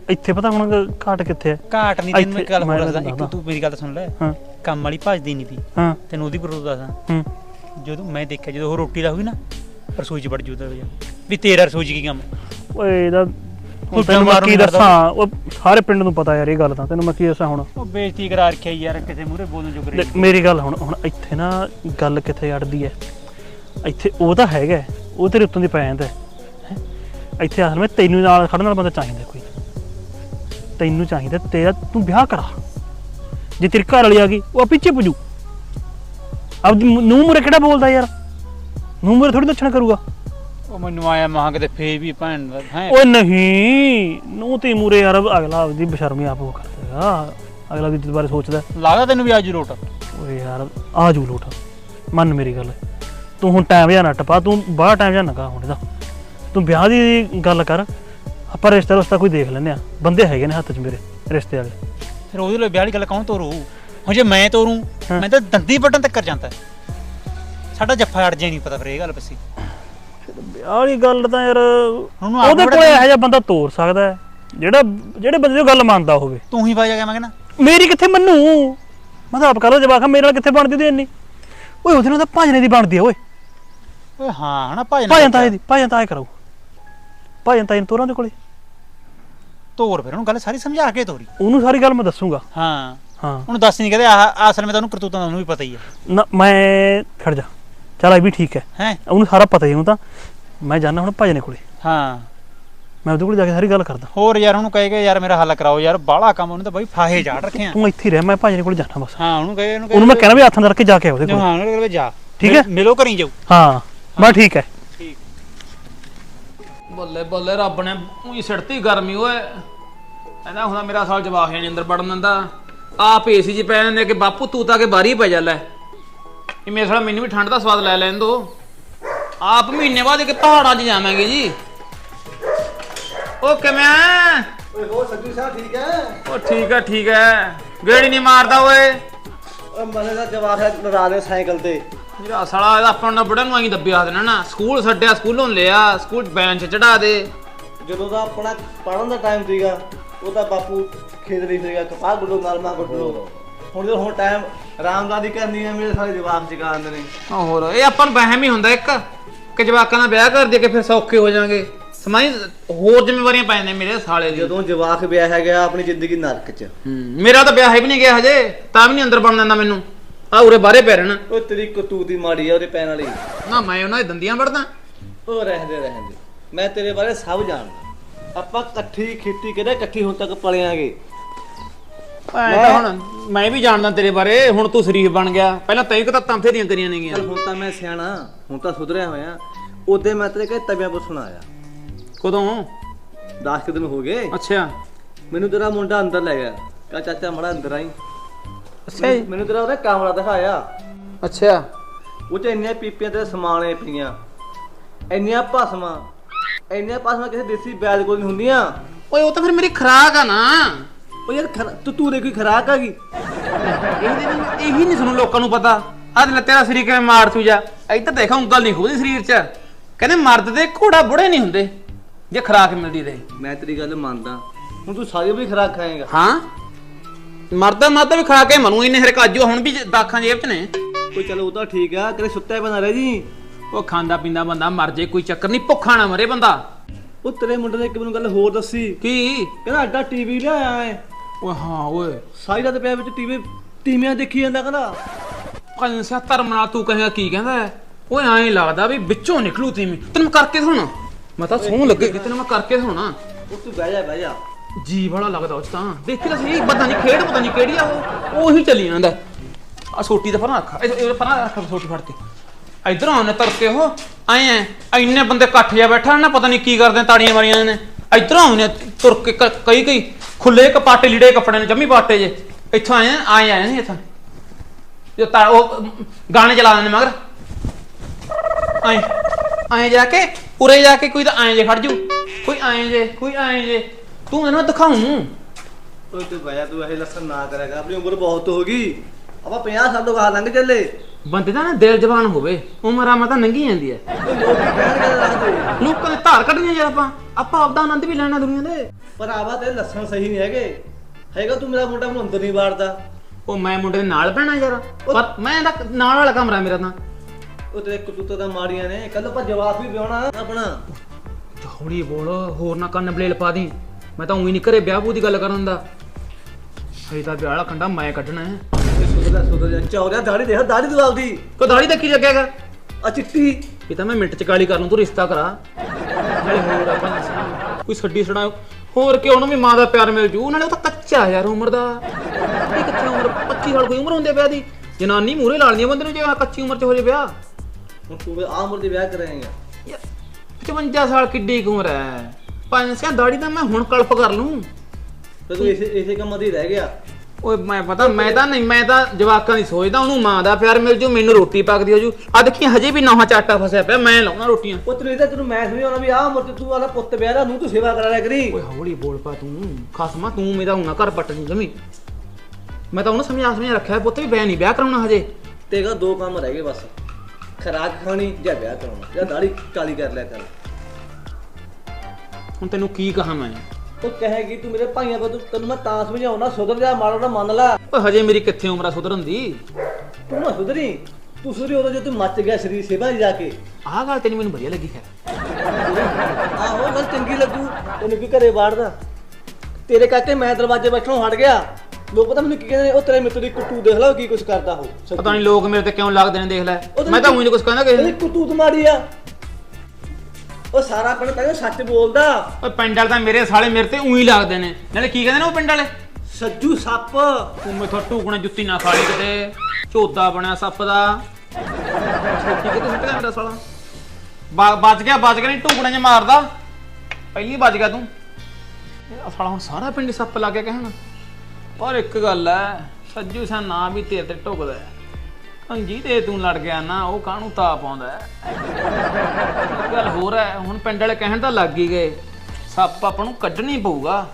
ਇੱਥੇ ਪਤਾ ਹੁਣ ਘਾਟ ਕਿੱਥੇ ਹੈ?
ਘਾਟ ਨਹੀਂ ਤੈਨੂੰ ਇੱਕ ਗੱਲ
ਮੈਂ
ਹੋਰ ਦੱਸਦਾ
ਦੱਸਦਾ।
ਇੱਕ ਤੂੰ ਮੇਰੀ ਗੱਲ ਤਾਂ ਸੁਣ ਲੈ
ਹਾਂ
ਕੰਮ ਵਾਲੀ ਭੱਜਦੀ ਨਹੀਂ ਤੀ
ਹਾਂ
ਤੈਨੂੰ ਉਹਦੀ ਪ੍ਰੋਬਲਮ ਦੱਸਦਾ
ਹੂੰ
ਜਦੋਂ ਮੈਂ ਦੇਖਿਆ ਜਦੋਂ ਉਹ ਰੋਟੀ ਲਾਉਗੀ ਨਾ ਰਸੋਈ 'ਚ ਵੜ ਜੂ ਤਾਂ ਵੀ ਤੇਰਾ ਰਸੋਈ 'ਚ ਕੀ ਕੰਮ
ਓਏ ਇਹਦਾ
ਹੁਣ
ਹੁਣ ਤੈਨੂੰ ਮੈਂ
ਮਾਰੂ
ਕੀ
ਨਹੀਂ ਕਰਦਾ।
ਦੱਸਾਂ ਉਹ ਸਾਰੇ ਪਿੰਡ ਨੂੰ ਪਤਾ ਯਾਰ ਇਹ ਗੱਲ ਤਾਂ ਤੈਨੂੰ ਮੈਂ ਕੀ ਦੱਸਾਂ ਹੁਣ
ਉਹ ਬੇਇੱਜ਼ਤੀ ਕਰਾ ਰੱਖਿਆ ਯਾਰ ਕਿਸੇ ਮੂਹਰੇ ਬੋਲਣ ਜੋਗਰੇ
ਦੇਖ, ਮੇਰੀ ਗੱਲ ਹੁਣ ਹੁਣ ਇੱਥੇ ਨਾ ਗੱਲ ਕਿੱਥੇ ਅੜਦੀ ਹੈ ਇੱਥੇ ਉਹ ਤਾਂ ਹੈਗਾ ਹੈ, ਉਹ ਤੇਰੇ ਉੱਤੋਂ ਦੀ ਪੈ ਜਾਂਦਾ ਹੈ ਹੈਂ। ਇੱਥੇ ਅਸਲ ਵਿੱਚ ਤੈਨੂੰ ਨਾਲ ਖੜਨ ਵਾਲਾ ਬੰਦਾ ਚਾਹੀਦਾ ਕੋਈ ਤੈਨੂੰ ਚਾਹੀਦਾ ਤੇਰਾ ਤੂੰ ਵਿਆਹ ਕਰਾ ਜੇ ਤੇਰੀ ਘਰ ਵਾਲੀ ਆ ਗਈ ਉਹ ਪਿੱਛੇ ਪੁਜੂ ਆਪਦੀ ਨੂੰ ਮੂਰੇ ਕਿਹੜਾ ਬੋਲਦਾ ਯਾਰ ਨੂੰ ਮੂਰੇ ਥੋੜੀ ਦੱਛਣ ਕਰੂਗਾ
ਉਹ ਮੈਨੂੰ ਆਇਆ ਮਹਾਂ ਕਿਤੇ ਫੇਰ ਵੀ ਭੈਣ ਹੈ
ਓਏ ਨਹੀਂ ਨੂੰ ਤੇ ਮੂਰੇ ਯਾਰ ਅਗਲਾ ਆਪਦੀ ਬਸ਼ਰਮੀ ਆਪ ਉਹ ਕਰਦਾ ਅਗਲਾ ਵੀ ਦੁਬਾਰੇ ਸੋਚਦਾ
ਲੱਗਦਾ ਤੈਨੂੰ ਵੀ ਆਜੂ ਰੋਟ
ਓਏ ਯਾਰ ਆ ਜੂ ਲੋਟ ਮੰਨ ਮੇਰੀ ਗੱਲ ਤੂੰ ਹੁਣ ਟਾਈਮ ਜਾਂ ਨਾ ਟਪਾ ਤੂੰ ਬਾਹਰ ਟਾਈਮ ਜਾਂ ਨਾ ਗਾ ਹੁਣ ਇਹਦਾ ਤੂੰ ਵਿਆਹ ਦੀ ਗੱਲ ਕਰ ਆਪਾਂ ਰਿਸ਼ਤਾ ਰੁਸ਼ਤਾ ਕੋਈ ਦੇਖ ਲੈਂਦੇ ਆ ਬੰਦੇ ਹੈਗੇ ਨੇ ਹੱਥ 'ਚ ਮੇਰੇ ਰਿਸ਼ਤੇ ਵਾਲੇ
ਫਿਰ ਉਹਦੇ ਲਈ ਵਿਆਹ ਵਾਲੀ ਗੱਲ ਕੌਣ ਤੋਰੂ ਹੁਣ ਜੇ ਮੈਂ ਤੋਰੂ ਮੈਂ ਤਾਂ ਦੰਦੀ ਵੱਟਣ ਤੱਕ ਜਾਂਦਾ ਸਾਡਾ ਜੱਫਾ ਅੜ ਜੇ ਨਹੀਂ ਪਤਾ ਫਿਰ ਇਹ ਗੱਲ ਪੱਸੀ
ਵਿਆਹ ਵਾਲੀ ਗੱਲ ਤਾਂ ਯਾਰ
ਉਹਨੂੰ ਆਪ
ਉਹਦੇ
ਬੜਾ
ਕੋਲ ਇਹੋ ਜਿਹਾ ਬੰਦਾ ਤੋਰ ਸਕਦਾ ਹੈ ਜਿਹੜਾ ਜਿਹੜੇ ਬੰਦੇ ਦੀ ਗੱਲ ਮੰਨਦਾ ਹੋਵੇ
ਤੂੰ ਹੀ ਵਾਜਾ ਗਿਆ ਮੈਂ ਕਹਿੰਦਾ
ਮੇਰੀ ਕਿੱਥੇ ਮੰਨੂ ਮੈਂ ਤਾਂ ਆਪ ਕਰ ਲੋ ਜਵਾਖਾ ਮੇਰੇ ਨਾਲ ਕਿੱਥੇ ਬਣਦੀ ਉਹਦੀ ਇੰਨੀ ਓਏ ਉਹਦੇ ਨਾਲ ਤਾਂ ਭਾਜਨੇ ਦੀ ਬਣਦੀ ਆ ਓਏ
ਓਏ ਹਾਂ ਹਨਾ ਭਾਜਨ
ਭਾਜਨ ਤਾਏ ਦੀ ਭਾਜਨ ਤਾਏ ਕਰਾਓ ਭਾਜਨ ਤਾਏ ਨੂੰ ਤੋਰਾਂ ਦੇ ਕੋਲੇ
ਤੋਰ ਫਿਰ ਉਹਨੂੰ ਗੱਲ ਸਾਰੀ ਸਮਝਾ ਕੇ ਤੋਰੀ
ਉਹਨੂੰ ਸਾਰੀ ਗੱਲ ਮੈਂ ਦੱਸੂਗਾ
ਹਾਂ
ਹਾਂ
ਉਹਨੂੰ ਦੱਸ ਨਹੀਂ ਕਹਦੇ ਆਹ ਅਸਲ ਵਿੱਚ ਉਹਨੂੰ ਕਰਤੂਤਾਂ ਦਾ ਉਹਨੂੰ ਵੀ ਪਤਾ ਹੀ ਹੈ
ਨਾ ਮੈਂ ਖੜ ਜਾ ਚੱਲ ਇਹ ਵੀ ਠੀਕ ਹੈ
ਹੈ
ਉਹਨੂੰ ਸਾਰਾ ਪਤਾ ਹੀ ਉਹਨੂੰ ਤਾਂ ਮੈਂ ਜਾਣਾ ਹੁਣ ਭਾਜਨੇ ਕੋਲੇ
ਹਾਂ
ਮੈਂ ਉਹਦੇ ਕੋਲ ਜਾ ਕੇ ਸਾਰੀ ਗੱਲ ਕਰਦਾ
ਹੋਰ ਯਾਰ ਉਹਨੂੰ ਕਹੇਗਾ ਯਾਰ ਮੇਰਾ ਹੱਲ ਕਰਾਓ ਯਾਰ ਬਾਹਲਾ ਕੰਮ ਉਹਨੇ ਤਾਂ ਬਾਈ ਫਾਹੇ ਝਾੜ ਰੱਖੇ ਆ
ਤੂੰ ਇੱਥੇ ਹੀ ਰਹਿ ਮੈਂ ਭਾਜਨੇ ਕੋਲ ਜਾਣਾ ਬਸ
ਹਾਂ ਉਹਨੂੰ ਕਹੇ ਉਹਨੂੰ
ਉਹਨੂੰ ਮੈਂ ਕਹਿਣਾ ਵੀ ਹੱਥਾਂ ਧਰ ਕੇ ਜਾ ਕੇ ਆ ਉਹਦੇ ਕੋਲ
ਹਾਂ ਉਹਨੂੰ ਕਹੇ ਜਾ
ਠੀਕ ਹੈ?
ਮਿਲੋ ਕਰੀ ਜਾਊ
ਹਾਂ ਮੈਂ ਠੀਕ ਹੈ
ਠੀਕ
ਬੱਲੇ ਬੱਲੇ ਰੱਬ ਨੇ ਉਹੀ ਸਿੜਤੀ ਗਰਮੀ ਓਏ ਕਹਿੰਦਾ ਹੁੰਦਾ ਮੇਰਾ ਸਾਲ ਜਵਾਕ ਨਹੀਂ ਅੰਦਰ ਵੜਨ ਦਿੰਦਾ ਆਪ ਏਸੀ 'ਚ ਪੈ ਜਾਂਦੇ ਕਿ ਬਾਪੂ ਤੂੰ ਤਾਂ ਕਿ ਬਾਹਰ ਪੈ ਜਾ ਲੈ ਇਹ ਮੇਰੇ ਸਾਲਾ ਮੈਨੂੰ ਵੀ ਠੰਡ ਦਾ ਸਵਾਦ ਲੈ ਲੈਣ ਦੋ ਆਪ ਮਹੀਨੇ ਬਾਅਦ ਕਿ ਪਹਾੜਾਂ 'ਚ ਜਾਵਾਂਗੇ ਜੀ ਓ ਕਿਵੇਂ
ਓਏ ਹੋ ਸੱਜੂ ਸਾਹਿਬ ਠੀਕ ਹੈ
ਓ ਠੀਕ ਹੈ ਠੀਕ ਹੈ ਗੇੜੀ ਨਹੀਂ ਮਾਰਦਾ ਓਏ
ਓਏ ਮਨੇ ਦਾ ਜਵਾਕ ਹੈ ਲੜਾ ਦੇ ਸਾਈਕਲ ਤੇ
ਜਿਹੜਾ ਸਾਲਾ ਇਹਦਾ ਆਪਾਂ ਨੂੰ ਬੁੜੇ ਨੂੰ ਆਈ ਦੱਬਿਆ ਦੇਣਾ ਨਾ ਸਕੂਲ ਛੱਡਿਆ ਸਕੂਲੋਂ ਲਿਆ ਸਕੂਲ ਬੈਂਚ 'ਚ ਚੜਾ ਦੇ
ਜਦੋਂ ਦਾ ਆਪਣਾ ਪੜਨ ਦਾ ਟਾਈਮ ਸੀਗਾ ਉਹ ਤਾਂ ਬਾਪੂ ਖੇਤ ਲਈ ਸੀਗਾ ਕਪਾਹ ਗੁੱਡੋ ਨਰਮਾ ਗੁੱਡੋ ਹੁਣ ਜਦੋਂ ਹੁਣ ਟਾਈਮ ਆਰਾਮਦਾਰੀ ਕਰਨੀ ਹੈ ਮੇਰੇ ਸਾਰੇ ਜਵਾਕ ਜਗਾ ਆਉਂਦੇ ਨੇ
ਉਹ ਹੋਰ ਇਹ ਆਪਾਂ ਨੂੰ ਵਹਿਮ ਹੀ ਹੁੰਦਾ ਇੱਕ ਕਿ ਜਵਾਕਾਂ ਦਾ ਵਿਆਹ ਕਰ ਦੇ ਕੇ ਫਿਰ ਸੌਖੇ ਹੋ ਜਾਾਂਗੇ ਸਮਾਈ ਹੋਰ ਜ਼ਿੰਮੇਵਾਰੀਆਂ ਪੈ ਜਾਂਦੀਆਂ ਮੇਰੇ ਸਾਲੇ ਦੀ
ਜਦੋਂ ਜਵਾਕ ਵਿਆਹਿਆ ਗਿਆ ਆਪਣੀ ਜ਼ਿੰਦਗੀ ਨਰਕ 'ਚ
ਮੇਰਾ ਤਾਂ ਵਿਆਹ ਹੀ ਵੀ ਨਹੀਂ ਗਿਆ ਹਜੇ ਤਾਂ ਵੀ ਨਹੀਂ ਅੰਦਰ ਬਣ ਦਿੰਦਾ ਮੈਨੂੰ ਆ ਉਰੇ ਬਾਹਰੇ ਪੈ ਰਹਿਣਾ
ਓਏ ਤੇਰੀ ਕਤੂਤ ਦੀ ਮਾੜੀ ਆ ਉਹਦੇ ਪੈਣ ਵਾਲੀ
ਨਾ ਮੈਂ ਉਹਨਾਂ ਦੀ ਦੰਦੀਆਂ ਵੜਦਾ
ਉਹ ਰਹਿੰਦੇ ਰਹਿੰਦੇ ਮੈਂ ਤੇਰੇ ਬਾਰੇ ਸਭ ਜਾਣਦਾ ਆਪਾਂ ਇਕੱਠੀ ਖੇਤੀ ਕਰੇ ਇਕੱਠੀ ਹੁਣ ਤੱਕ ਪਲਿਆਂਗੇ
ਹੁਣ ਮੈਂ ਵੀ ਜਾਣਦਾ ਤੇਰੇ ਬਾਰੇ ਹੁਣ ਤੂੰ ਸ਼ਰੀਫ ਬਣ ਗਿਆ ਪਹਿਲਾਂ ਤੈਨੂੰ ਕਿਤਾ ਤਾਂ ਫੇਰੀਆਂ ਕਰੀਆਂ ਨੇਗੀਆਂ
ਚੱਲ ਹੁਣ ਤਾਂ ਮੈਂ ਸਿਆਣਾ ਹੁਣ ਤਾਂ ਸੁਧਰਿਆ ਹੋਇਆ ਉਹਦੇ ਮੈਂ ਤੇਰੇ ਘਰੇ ਤਵਿਆਂ ਪੁੱਛਣ ਆਇਆ
ਕਦੋਂ
ਦਸ ਕੁ ਦਿਨ ਹੋ ਗਏ
ਅੱਛਾ
ਮੈਨੂੰ ਤੇਰਾ ਮੁੰਡਾ ਅੰਦਰ ਲੈ ਗਿਆ ਕਹ ਚਾਚਾ ਮੜਾ ਅੰਦਰ ਆਈ
ਅੱਛਾ ਜੀ
ਮੈਨੂੰ ਤੇਰਾ ਉਹਦਾ ਕਮਰਾ ਦਿਖਾਇਆ
ਅੱਛਾ
ਉਹ ਚ ਇੰਨੀਆਂ ਪੀਪੀਆਂ ਤੇ ਸਮਾਨੇ ਪਈਆਂ ਇੰਨੀਆਂ ਭਸਮਾਂ ਇੰਨੀਆਂ ਭਸਮਾਂ ਕਿਸੇ ਦੇਸੀ ਬੈਦ ਕੋਲ ਨਹੀਂ ਹੁੰਦੀਆਂ
ਓਏ ਉਹ ਤਾਂ ਫਿਰ ਮੇਰੀ ਖੁਰਾਕ ਆ ਨਾ
ਉਹ ਯਾਰ ਖਰਾ- ਤੂੰ ਤੂੰ ਦੇ ਕੋਈ ਖਰਾਕ ਆ ਗਈ
ਇਹਦੇ ਵੀ ਇਹੀ ਨਹੀਂ ਸਾਨੂੰ ਲੋਕਾਂ ਨੂੰ ਪਤਾ ਆਹ ਲੈ ਤੇਰਾ ਸਰੀਰ ਕਿਵੇਂ ਮਾਰ ਤੂ ਜਾ ਇੱਧਰ ਦੇਖਾ ਉਂਗਲ ਨਹੀਂ ਖੋਦੀ ਸਰੀਰ 'ਚ ਕਹਿੰਦੇ ਮਰਦ ਦੇ ਘੋੜਾ ਬੁੜੇ ਨਹੀਂ ਹੁੰਦੇ ਜੇ ਖੁਰਾਕ ਮਿਲਦੀ ਰਹੇ
ਮੈਂ ਤੇਰੀ ਗੱਲ ਮੰਨਦਾ ਹੁਣ ਤੂੰ ਸਾਰੀ ਵੀ ਖਰਾਕ ਖਾਏਗਾ
ਹਾਂ ਮਰਦਾ ਮਰਦਾ ਵੀ ਖਾ ਕੇ ਮਰੂ ਇਹਨੇ ਹਰ ਕਾਜੂ ਹੁਣ ਵੀ ਦਾਖਾਂ ਜੇਬ 'ਚ ਨੇ
ਕੋਈ ਚਲੋ ਉਹ ਤਾਂ ਠੀਕ ਆ ਕਦੇ ਸੁੱਤਾ ਬਣਾ ਰਹਿ ਜੀ
ਉਹ ਖਾਂਦਾ ਪੀਂਦਾ ਬੰਦਾ ਮਰ ਜੇ ਕੋਈ ਚੱਕਰ ਨਹੀਂ ਭੁੱਖਾ ਨਾ ਮਰੇ ਬੰਦਾ
ਉਹ ਤੇਰੇ ਮੁੰਡੇ ਨੇ ਇੱਕ ਮੈਨੂੰ ਗੱਲ ਹੋਰ ਦੱਸੀ
ਕੀ
ਕਹਿੰਦਾ ਅੱਡਾ ਟੀਵੀ ਲਿਆਇਆ ਐ
ਓਏ ਹਾਂ ਓਏ
ਸਾਰੀ ਰਾਤ ਪਿਆ ਵਿੱਚ ਟੀਵੀ ਟੀਵੀਆਂ ਦੇਖੀ ਜਾਂਦਾ ਕਹਿੰਦਾ
ਪੰਜ ਸੱਤ ਧਰਮ ਨਾਲ ਤੂੰ ਕਹੇਗਾ ਕੀ ਕਹਿੰਦਾ ਹੈ? ਓਏ ਐਂ ਲੱਗਦਾ ਵੀ ਵਿੱਚੋਂ ਨਿਕਲੂ ਤੀਵੀਂ ਤੈਨੂੰ ਮੈਂ ਕਰਕੇ ਦਿਖਾਉਣਾ ਮੈਂ ਤਾਂ ਸੌਂ ਲੱਗੇ ਕਿ ਤੈਨੂੰ ਮੈਂ ਕਰਕੇ ਦਿਖਾਉਣਾ
ਉਹ ਤੂੰ ਬਹਿ ਜਾ ਬਹਿ ਜਾ
ਜੀ ਬੜਾ ਲੱਗਦਾ ਉਸ ਤਾਂ ਦੇਖੀ ਤਾਂ ਸਹੀ ਪਤਾ ਨਹੀਂ ਖੇਡ ਪਤਾ ਨਹੀਂ ਕਿਹੜੀ ਆ ਉਹ ਉਹੀ ਚੱਲੀ ਜਾਂਦਾ ਆ ਸੋਟੀ ਦਾ ਪਰਾਂ ਰੱਖ ਇਹ ਪਰਾਂ ਰੱਖ ਸੋਟੀ ਫੜ ਕੇ ਇਧਰ ਆਉਣੇ ਤਰਕੇ ਉਹ ਆਏ ਐ ਇੰਨੇ ਬੰਦੇ ਇਕੱਠ ਜਾ ਬੈਠਾ ਨਾ ਪਤਾ ਨਹੀਂ ਕੀ ਕਰਦੇ ਤਾੜੀਆਂ ਮਾਰੀਆਂ ਨੇ ਇਧਰ ਆਉਣੇ ਤੁਰ ਕੇ ਕਈ ਕਈ ਖੁੱਲੇ ਕਪਾਟੇ ਲੀੜੇ ਕੱਪੜੇ ਨੇ ਜੰਮੀ ਪਾਟੇ ਜੇ ਇੱਥੋਂ ਆਏ ਆਏ ਆਏ ਨੇ ਇੱਥੋਂ ਜੋ ਤਾਂ ਉਹ ਗਾਣੇ ਚਲਾ ਦਿੰਦੇ ਮਗਰ ਆਏ ਆਏ ਜਾ ਕੇ ਉਰੇ ਜਾ ਕੇ ਕੋਈ ਤਾਂ ਆਏ ਜੇ ਖੜ ਜੂ ਕੋਈ ਆਏ ਜੇ ਕੋਈ ਆਏ ਜੇ ਤੂੰ ਮੈਨੂੰ ਦਿਖਾਉਂ
ਓਏ ਤੂੰ ਬਹਿ ਜਾ ਤੂੰ ਇਹ ਲੱਸਣ ਨਾ ਕਰੇਗਾ ਆਪਣੀ ਉਮਰ ਬਹੁਤ ਹੋ ਗਈ ਆਪਾਂ ਪੰਜਾਹ ਸਾਲ ਤੋਂ ਬਾਹਰ ਲੰਘ ਚੱਲੇ
ਬੰਦੇ ਦਾ ਨਾ ਦਿਲ ਜਵਾਨ ਹੋਵੇ ਉਮਰਾਂ ਮਾ ਤਾਂ ਲੰਘੀ ਜਾਂਦੀ ਹੈ
ਉਹ ਲੋਕ ਕੀ ਕਹਿਣਗੇ ਰੱਖਦੇ
ਲੋਕਾਂ ਦੇ ਧਾਰ ਕੱਢਣੀਆਂ ਯਾਰ ਆਪਾਂ ਆਪਾਂ ਆਪਦਾ ਆਨੰਦ ਵੀ ਲੈਣਾ ਦੁਨੀਆ ਦੇ
ਭਰਾਵਾ ਤੇਰੇ ਲੱਛਣ ਸਹੀ ਨਹੀਂ ਹੈਗੇ। ਹੈਗਾ ਤੂੰ ਮੇਰਾ ਮੁੰਡਾ ਮੈਨੂੰ ਅੰਦਰ ਨਹੀਂ ਵਾੜਦਾ।
ਉਹ ਮੈਂ ਮੁੰਡੇ ਦੇ ਨਾਲ ਪੈਣਾ ਯਾਰ, ਪਰ ਮੈਂ ਤਾਂ ਨਾਲ ਵਾਲਾ ਕਮਰਾ ਮੇਰਾ ਤਾਂ।
ਉਹ ਤੇਰੇ ਕਤੂਤਾਂ ਤਾਂ ਮਾੜੀਆਂ ਨੇ, ਕੱਲ ਆਪਾਂ ਜਵਾਬ ਵੀ ਵਿਆਹਣਾ ਆਪਣਾ।
ਹੌਲੀ ਬੋਲ, ਹੋਰ ਨਾ ਕੰਨ ਬਲੇਲ ਪਾ ਦੀ। ਮੈਂ ਤਾਂ ਉਹੀ ਨਹੀਂ ਘਰੇ ਵਿਆਹ ਬੂ ਦੀ ਗੱਲ ਕਰਨ ਦਾ। ਹਜੇ ਤਾਂ ਵਿਆਹ ਵਾਲਾ ਕੰਡਾ ਮੈਂ ਕੱਢਣਾ ਹੈ।
ਸੁਧਰ ਸੁਧਰ ਚੌਰਿਆ, ਦਾੜੀ ਦੇਖ, ਦਾੜੀ ਤੂੰ ਆਪਦੀ।
ਕੋ ਦਾੜੀ ਤੇ ਕੀ ਲੱਗੇਗਾ?
ਆ ਚਿੱਟੀ
ਇਹ ਤਾਂ ਮੈਂ ਮਿੰਟ ਚ ਕਾਲੀ ਕਰ ਲੂੰ, ਤੂੰ ਰਿਸ਼ਤਾ ਕਰਾ। ਨਾਲੇ ਹੋਰ ਆਪਾਂ ਦੱਸਣਾ ਕੋਈ ਛੱਡੀ ਛੜਾ, ਹੋਰ ਕਿ ਉਹਨੂੰ ਵੀ ਮਾਂ ਦਾ ਪਿਆਰ ਮਿਲ ਜੂ। ਨਾਲੇ ਉਹ ਤਾਂ ਕੱਚਾ ਯਾਰ ਉਮਰ ਦਾ। ਇਹ ਕੱਚੀ ਉਮਰ, ਪੱਚੀ ਸਾਲ ਕੋਈ ਉਮਰ ਹੁੰਦੀ ਵਿਆਹ ਦੀ। ਜਨਾਨੀ ਮੂਹਰੇ ਲਾਲਦੀਆਂ ਬੰਦੇ ਨੂੰ ਜੇ ਆਹ ਕੱਚੀ ਉਮਰ ਚ ਹੋ ਜੇ ਵਿਆਹ।
ਹੁਣ ਤੂੰ ਆ ਉਮਰ ਦੇ ਵਿਆਹ ਕਰਾਏਂਗਾ
ਯਾਰ ਪਚਵੰਜਾ ਸਾਲ ਕਿੱਡੀ ਕੁ ਉਮਰ ਹੈ। ਪੰਜ ਸਿਆ ਦਾੜੀ ਤਾਂ ਮੈਂ ਹੁਣ ਕਲਪ ਕਰ ਲੂੰ।
ਤੇ ਤੂੰ ਇਸੇ ਇਸੇ ਕੰਮਾਂ ਦੀ ਰਹਿ ਗਿਆ।
ਓਏ ਮੈਂ ਪਤਾ, ਮੈਂ ਤਾਂ ਨਹੀਂ, ਮੈਂ ਤਾਂ ਜਵਾਕਾਂ ਦੀ ਸੋਚਦਾ। ਉਹਨੂੰ ਮਾਂ ਦਾ ਪਿਆਰ ਮਿਲ ਜੂ, ਮੈਨੂੰ ਰੋਟੀ ਪੱਕਦੀ ਹੋ ਜੂ। ਆ ਦੇਖੀ ਹਜੇ ਵੀ ਨੌਹਾਂ ਚ ਆਟਾ ਫਸਿਆ ਪਿਆ, ਮੈਂ ਲਾਉਣਾ ਰੋਟੀਆਂ।
ਪੁੱਤ ਨਹੀਂ ਤਾਂ ਤੈਨੂੰ ਮੈਂ ਸਮਝਾਉਣਾ ਵੀ ਆਹ ਉਮਰ ਤੇ ਤੂੰ ਆਦਾ ਪੁੱਤ ਵਿਆਹ ਦਾ ਨੂੰ ਤੂੰ ਸੇਵਾ ਕਰਾ ਲਿਆ ਕਰੀ।
ਓਏ ਹੌਲੀ ਬੋਲ ਪਾ ਤੂੰ, ਖਸਮਾ ਤੂੰ ਮੇਰਾ ਹੁਣਾ ਘਰ ਪੱਟ ਦੀ ਜਮੀ। ਮੈਂ ਤਾਂ ਉਹਨੂੰ ਸਮਝਾ ਸਮਝਾ ਰੱਖਿਆ ਪੁੱਤ ਵੀ ਵਿਆਹ ਨਹੀਂ ਵਿਆਹ ਕਰਾਉਣਾ ਹਜੇ।
ਤੇਗਾ ਦੋ ਕੰਮ ਰਹਿ ਗਏ ਬਸ, ਖਰਾਕ ਖਾਣੀ ਜਾਂ ਵਿਆਹ ਕਰਾਉਣਾ ਜਾਂ ਦਾੜੀ ਕਾਲੀ ਕਰ ਲਿਆ ਕਰ।
ਹੁਣ ਤੈਨੂੰ ਕੀ ਕਹਾਂ ਮੈਂ?
ਉਹ ਕਹੇਗੀ ਤੂੰ ਮੇਰੇ ਭਾਈਆਂ ਕੋਲ, ਤੈਨੂੰ ਮੈਂ ਤਾਂ ਸਮਝਾਉਣਾ ਸੁਧਰ ਜਾ, ਮਾੜਾ ਨਾ ਮੰਨ ਲੈ।
ਓਏ ਹਜੇ ਮੇਰੀ ਕਿੱਥੇ ਉਮਰ ਆ ਸੁਧਰਨ ਦੀ।
ਤੂੰ ਨਾ ਸੁਧਰੀ, ਤੂੰ ਸੁਧਰੀ ਉਦੋਂ ਜੇ ਤੂੰ ਮੱਚ ਗਿਆ ਸਰੀਰ ਸੇਵਾ ਜਾ ਕੇ।
ਆਹ ਗੱਲ ਤੈਨੂੰ ਮੈਨੂੰ ਵਧੀਆ ਲੱਗੀ ਹੈ।
ਆਹੋ ਗੱਲ ਚੰਗੀ ਲੱਗੂ, ਤੈਨੂੰ ਕੀ ਘਰੇ ਵਾੜਦਾ। ਤੇਰੇ ਕਰਕੇ ਮੈਂ ਦਰਵਾਜ਼ੇ ਬੈਠਣੋਂ ਹਟ ਗਿਆ। ਲੋਕ ਪਤਾ ਮੈਨੂੰ ਕੀ ਕਹਿੰਦੇ ਨੇ, ਉਹ ਤੇਰੇ ਮਿੱਤਰ ਦੀ ਕੁੱਟੂ ਦੇਖ ਲਾ ਕੀ ਕੁਛ ਕਰਦਾ ਹੋ।
ਪਤਾ ਨਹੀਂ ਲੋਕ ਮੇਰੇ ਤੇ ਕਿਉਂ ਲੱਗਦੇ ਨੇ, ਦੇਖ ਲੈ। ਮੈਂ ਤਾਂ ਉਹੀ ਨਹੀਂ ਕੁਛ ਕਹਿੰਦਾ ਕਿਸੇ
ਇਹਦੀ
ਨੂੰ।
ਕੁੱਟੂ ਤੇ ਮਾੜੀ ਆ। ਉਹ ਸਾਰਾ ਪਿੰਡ ਕਹਿੰਦਾ ਸੱਚ ਬੋਲਦਾ।
ਓਏ ਪਿੰਡ ਵਾਲੇ ਤਾਂ ਮੇਰੇ ਸਾਲੇ ਮੇਰੇ ਤੇ ਉਹੀ ਲੱਗਦੇ ਨੇ। ਨਾਲੇ ਕੀ ਕਹਿੰਦੇ ਨੇ ਉਹ ਪਿੰਡ ਵਾਲੇ?
ਸੱਜੂ ਸੱਪ।
ਤੂੰ ਮੈਥੋਂ ਟੂਕਣਾ ਜੁੱਤੀ ਨਾ ਖਾ ਲਈ ਕਿਤੇ। ਝੋਦਾ ਬਣਿਆ ਸੱਪ ਦਾ। ਛੋਟੀ ਕਿਤੇ ਸੁੱਟ ਗਿਆ ਮੇਰਾ ਸਾਲਾ। ਬਾ- ਬਚ ਗਿਆ ਬਚ ਗਿਆ, ਨਹੀਂ ਟੂਕਣਾ ਜਿਹਾ ਮਾਰਦਾ। ਪਹਿਲੀ ਬਚ ਗਿਆ ਤੂੰ। ਇਹ ਸਾਲਾ ਹੁਣ ਸਾਰਾ ਪਿੰਡ ਹੀ ਸੱਪ ਲੱਗ ਗਿਆ ਕਹਿਣ। ਪਰ ਇੱਕ ਗੱਲ ਐ, ਸੱਜੂ ਸਾ ਨਾਂ ਵੀ ਤੇਰੇ ਤੇ ਢੁਕਦਾ। ਅੰਜੀ ਤੇ ਤੂੰ ਲੜ ਗਿਆ ਨਾ, ਉਹ ਕਾਹਨੂੰ ਤਾ ਪਾਉਂਦਾ। ਇੱਕ ਗੱਲ ਹੋਰ ਐ, ਹੁਣ ਪਿੰਡ ਵਾਲੇ ਕਹਿਣ ਤਾਂ ਲੱਗ ਹੀ ਗਏ, ਸੱਪ ਆਪਾਂ ਨੂੰ ਕੱਢਣੀ ਪਊਗਾ।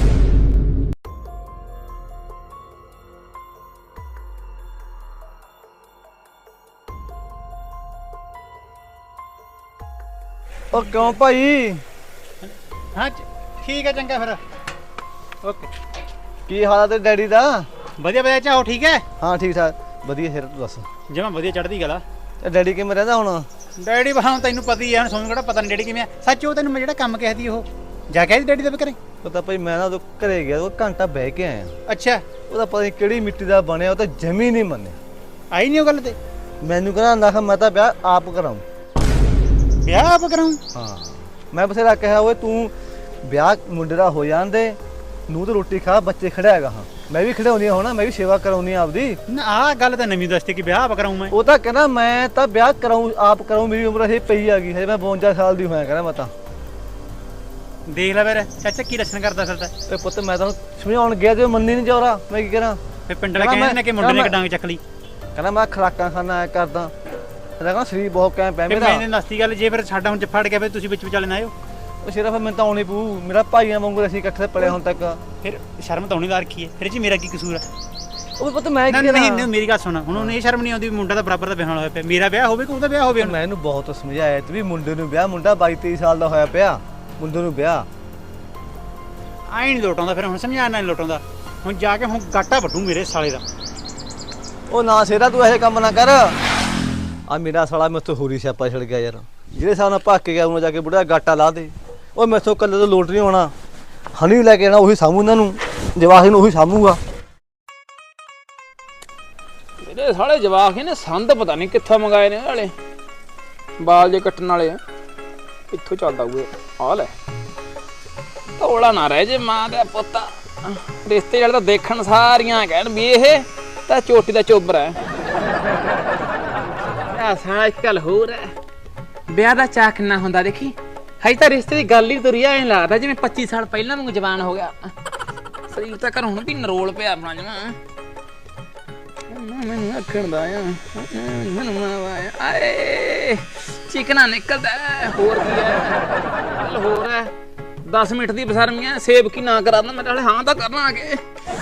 ਉਹ ਕਿਉਂ ਭਾਈ?
ਹਾਂ ਠੀਕ ਹੈ, ਚੰਗਾ ਫਿਰ ਓਕੇ।
ਕੀ ਹਾਲ ਆ ਤੇ ਡੈਡੀ ਦਾ?
ਵਧੀਆ ਵਧੀਆ, ਚਾਹੋ ਠੀਕ ਹੈ।
ਹਾਂ ਠੀਕ ਠਾਕ ਵਧੀਆ। ਫਿਰ ਤੂੰ ਦੱਸ
ਜਿਵੇਂ ਵਧੀਆ ਚੜ੍ਹਦੀ ਗੱਲ ਆ।
ਤੇ ਡੈਡੀ ਕਿਵੇਂ ਰਹਿੰਦਾ ਹੁਣ?
ਡੈਡੀ ਬਾਹਾਂ ਤੈਨੂੰ ਪਤਾ ਹੀ ਆ, ਹੁਣ ਸੋਨੂੰ ਕਿਹੜਾ ਪਤਾ ਨਹੀਂ ਡੈਡੀ ਕਿਵੇਂ ਆ। ਸੱਚ ਉਹ ਤੈਨੂੰ ਮੈਂ ਜਿਹੜਾ ਕੰਮ ਕਹਿ ਦੀ ਉਹ ਜਾ ਕੇ ਆਈ ਡੈਡੀ ਦੇ ਘਰੇ?
ਪਤਾ ਭਾਈ ਮੈਂ ਨਾ ਉਹ ਘਰੇ ਗਿਆ, ਉਹ ਘੰਟਾ ਬਹਿ ਕੇ ਆਇਆ।
ਅੱਛਾ,
ਉਹਦਾ ਪਤਾ ਨਹੀਂ ਕਿਹੜੀ ਮਿੱਟੀ ਦਾ ਬਣਿਆ, ਉਹ ਤਾਂ ਜਮੀ ਨਹੀਂ ਮੰਨਿਆ।
ਆਈ ਨਹੀਂ ਉਹ ਗੱਲ ਤੇ?
ਮੈਨੂੰ ਕਹਿੰਦਾ ਨਾ ਮੈਂ ਤਾਂ ਵਿਆਹ ਆਪ ਕਰਾਉਂ।
ਵਿਆਹ ਆਪ ਕਰਾਉਂ?
ਹਾਂ ਮੈਂ ਬਥੇਰਾ ਕਿਹਾ ਓਏ ਤੂੰ ਵਿਆਹ ਮੁੰਡੇ ਦਾ ਹੋ ਜਾਂਦੇ, ਨੂੰ ਤਾਂ ਰੋਟੀ ਖਾ, ਬੱਚੇ ਖੜਿਆਗਾ। ਹਾਂ ਮੈਂ ਵੀ ਖੜਾਉਣੀ ਹੋਣਾ, ਮੈਂ ਵੀ ਸੇਵਾ ਕਰਾਉਣੀ ਆਪਦੀ।
ਨਾ ਆਹ ਗੱਲ ਤਾਂ ਨਵੀਂ ਦੱਸਤੀ ਕਿ ਵਿਆਹ ਆਪ ਕਰਾਉਂ ਮੈਂ।
ਉਹ ਤਾਂ ਕਹਿੰਦਾ ਮੈਂ ਤਾਂ ਵਿਆਹ ਕਰਾਉਂ ਆਪ ਕਰਾਉਂ, ਮੇਰੀ ਉਮਰ ਹਜੇ ਪਈ ਆ ਗਈ, ਹਜੇ ਮੈਂ ਬਵੰਜਾ ਸਾਲ ਦੀ ਹੋਇਆ ਕਹਿੰਦਾ ਮੈਂ ਤਾਂ।
ਦੇਖ ਲੈ ਫਿਰ ਚਾਚਾ ਕੀ ਰਸਨ ਕਰਦਾ ਫਿਰਦਾ।
ਤੇ ਪੁੱਤ ਮੈਂ ਤਾਂ ਸਮਝਾਉਣ ਗਿਆ ਤੇ ਮੰਨੀ ਨਹੀਂ ਜੋਰਾ, ਮੈਂ ਕੀ ਕਰਾਂ।
ਫਿਰ ਪਿੰਡ ਵਾਲੇ ਕਹਿੰਦੇ ਨੇ ਕਿ ਮੁੰਡੇ ਨੇ ਡਾਂਗ ਚੱਕ ਲਈ।
ਕਹਿੰਦਾ ਮੈਂ ਖਰਾਕਾਂ ਖਾਣਾ ਐ ਕਰਦਾ। ਕਹਿੰਦਾ ਸਰੀਰ ਬਹੁਤ ਕੈਂ ਪੈ ਮੇਰਾ।
ਮੈਂ ਦੱਸਤੀ ਗੱਲ, ਜੇ ਫਿਰ ਸਾਡਾ ਹੁਣ ਫੜ ਗਿਆ ਫਿਰ ਤੁਸੀਂ ਵਿੱਚ ਵਿਚਾਲੇ ਨਾ ਆਇਓ।
ਉਹ ਸਿਰਫ ਮੈਨੂੰ ਤਾਂ ਆਉਣੀ ਪਊ, ਮੇਰਾ ਭਾਈਆਂ ਵਾਂਗੂ ਅਸੀਂ ਇਕੱਠੇ ਪੜੇ ਹੁਣ ਤੱਕ।
ਫਿਰ ਸ਼ਰਮ ਤਾਂ ਆਉਣੀ ਦਾ ਰੱਖੀ ਹੈ, ਫਿਰ ਜੀ ਮੇਰਾ ਕੀ ਕਸੂਰ ਹੈ?
ਉਹ ਪੁੱਤ ਮੈਂ ਕੀ
ਨਹੀਂ
ਕਰਾਂ।
ਨਹੀਂ ਮੇਰੀ ਗੱਲ ਸੁਣ, ਹੁਣ ਉਹਨੂੰ ਇਹ ਸ਼ਰਮ ਨਹੀਂ ਆਉਂਦੀ ਵੀ ਮੁੰਡਾ ਤਾਂ ਬਰਾਬਰ ਦਾ ਵਿਆਹ ਹੋਇਆ ਪਿਆ। ਮੇਰਾ ਵਿਆਹ ਹੋਵੇ ਕਿ ਉਹਦਾ ਵਿਆਹ ਹੋਵੇ?
ਮੈਂ ਇਹਨੂੰ ਬਹੁਤ ਸਮਝਾਇਆ ਤੇ ਵੀ ਮੁੰਡੇ ਨੂੰ ਵਿਆਹ, ਮੁੰਡਾ ਬਾਈ ਤੇਈ ਸਾਲ ਦਾ ਹੋਇਆ ਪਿਆ, ਮੁੰਡੇ ਨੂੰ ਵਿਆਹ।
ਆਈ ਨਹੀਂ ਲੋਟਾਉਂਦਾ, ਫਿਰ ਹੁਣ ਸਮਝਾਣਾ ਨਹੀਂ ਲੋਟਾਉਂਦਾ। ਹੁਣ ਜਾ ਕੇ ਹੁਣ ਗਾਟਾ ਵੱਢੂ ਮੇਰੇ ਸਾਲੇ ਦਾ।
ਉਹ ਨਾ ਸੇਰਾ ਤੂੰ ਇਹੋ ਕੰਮ ਨਾ ਕਰ। ਆ ਮੇਰਾ ਸਾਲਾ ਮੈਥੋਂ ਹੋਰੀ ਸਿਆਪਾ ਛੜ ਗਿਆ ਯਾਰ, ਜਿਹੜੇ ਹਿਸਾਬ ਨਾਲ ਭੱਕ ਕੇ ਗਿਆ ਉਹਨੂੰ ਜਾ ਕੇ ਬੁੜਾ ਗਾਟਾ ਲਾ ਦੇ। ਉਹ ਮੈਥੋਂ ਕੱਲੇ ਤੋਂ ਲੋਟ ਨਹੀਂ ਹੋਣਾ, ਹਣੀ ਲੈ ਕੇ ਆਣਾ, ਉਹੀ ਸਾਂਭੂ ਇਹਨਾਂ ਨੂੰ, ਜਵਾਹੀ ਨੂੰ ਉਹੀ ਸਾਂਭੂਗਾ।
ਮੇਰੇ ਸਾਲੇ ਜਵਾਕ ਇਹਨੇ ਸੰਦ ਪਤਾ ਨਹੀਂ ਕਿੱਥੋਂ ਮੰਗਾਏ ਨੇ ਵਾਲੇ ਬਾਲ ਜੇ ਕੱਟਣ ਵਾਲੇ। ਇੱਥੋਂ ਚੱਲਦਾ ਹੋਏ ਆ ਲੈ, ਧੋਲਾ ਨਾ ਰਹਿ ਜੇ ਮਾਂ ਦਾ ਪੁੱਤ। ਰਿਸ਼ਤੇ ਵਾਲੇ ਤਾਂ ਦੇਖਣ ਸਾਰੀਆਂ ਕਹਿਣ ਵੀ ਇਹ ਤਾਂ ਚੋਟੀ ਦਾ ਚੋਬਰ ਹੈ। ਆ ਸਾਲਾ ਇੱਕ ਗੱਲ ਹੋਰ ਹੈ, ਵਿਆਹ ਦਾ ਚਾਅ ਕਿੰਨਾ ਹੁੰਦਾ ਦੇਖੀ। ਹਜੇ ਤਾਂ ਰਿਸ਼ਤੇ ਦੀ ਗੱਲ ਹੀ ਤੁਰੀ ਐ ਲੱਗਦਾ ਜਿਵੇਂ ਪੱਚੀ ਸਾਲ ਪਹਿਲਾਂ ਨੂੰ ਜਵਾਨ ਹੋ ਗਿਆ। ਸਰੀਰ ਤਾਂ ਘਰ ਹੁਣ ਵੀ ਨਰੋਲ ਪਿਆ ਆਪਣਾ ਜਮਾ। ਮੈਨੂੰ ਆਖਣ ਦਾ ਆ ਮੈਨੂੰ ਆਏ ਚਿਕਨਾ ਨਿਕਲਦਾ ਹੋਰ ਕੀ ਹੈ। ਹੋਰ ਹੈ ਦਸ ਮਿੰਟ ਦੀ ਬਸਰਮੀਆਂ ਸੇਬ ਕੀ ਨਾ ਕਰਾ ਮੈਂ ਤਾਂ ਹਾਂ ਤਾਂ ਕਰਨਾ ਆ ਕੇ।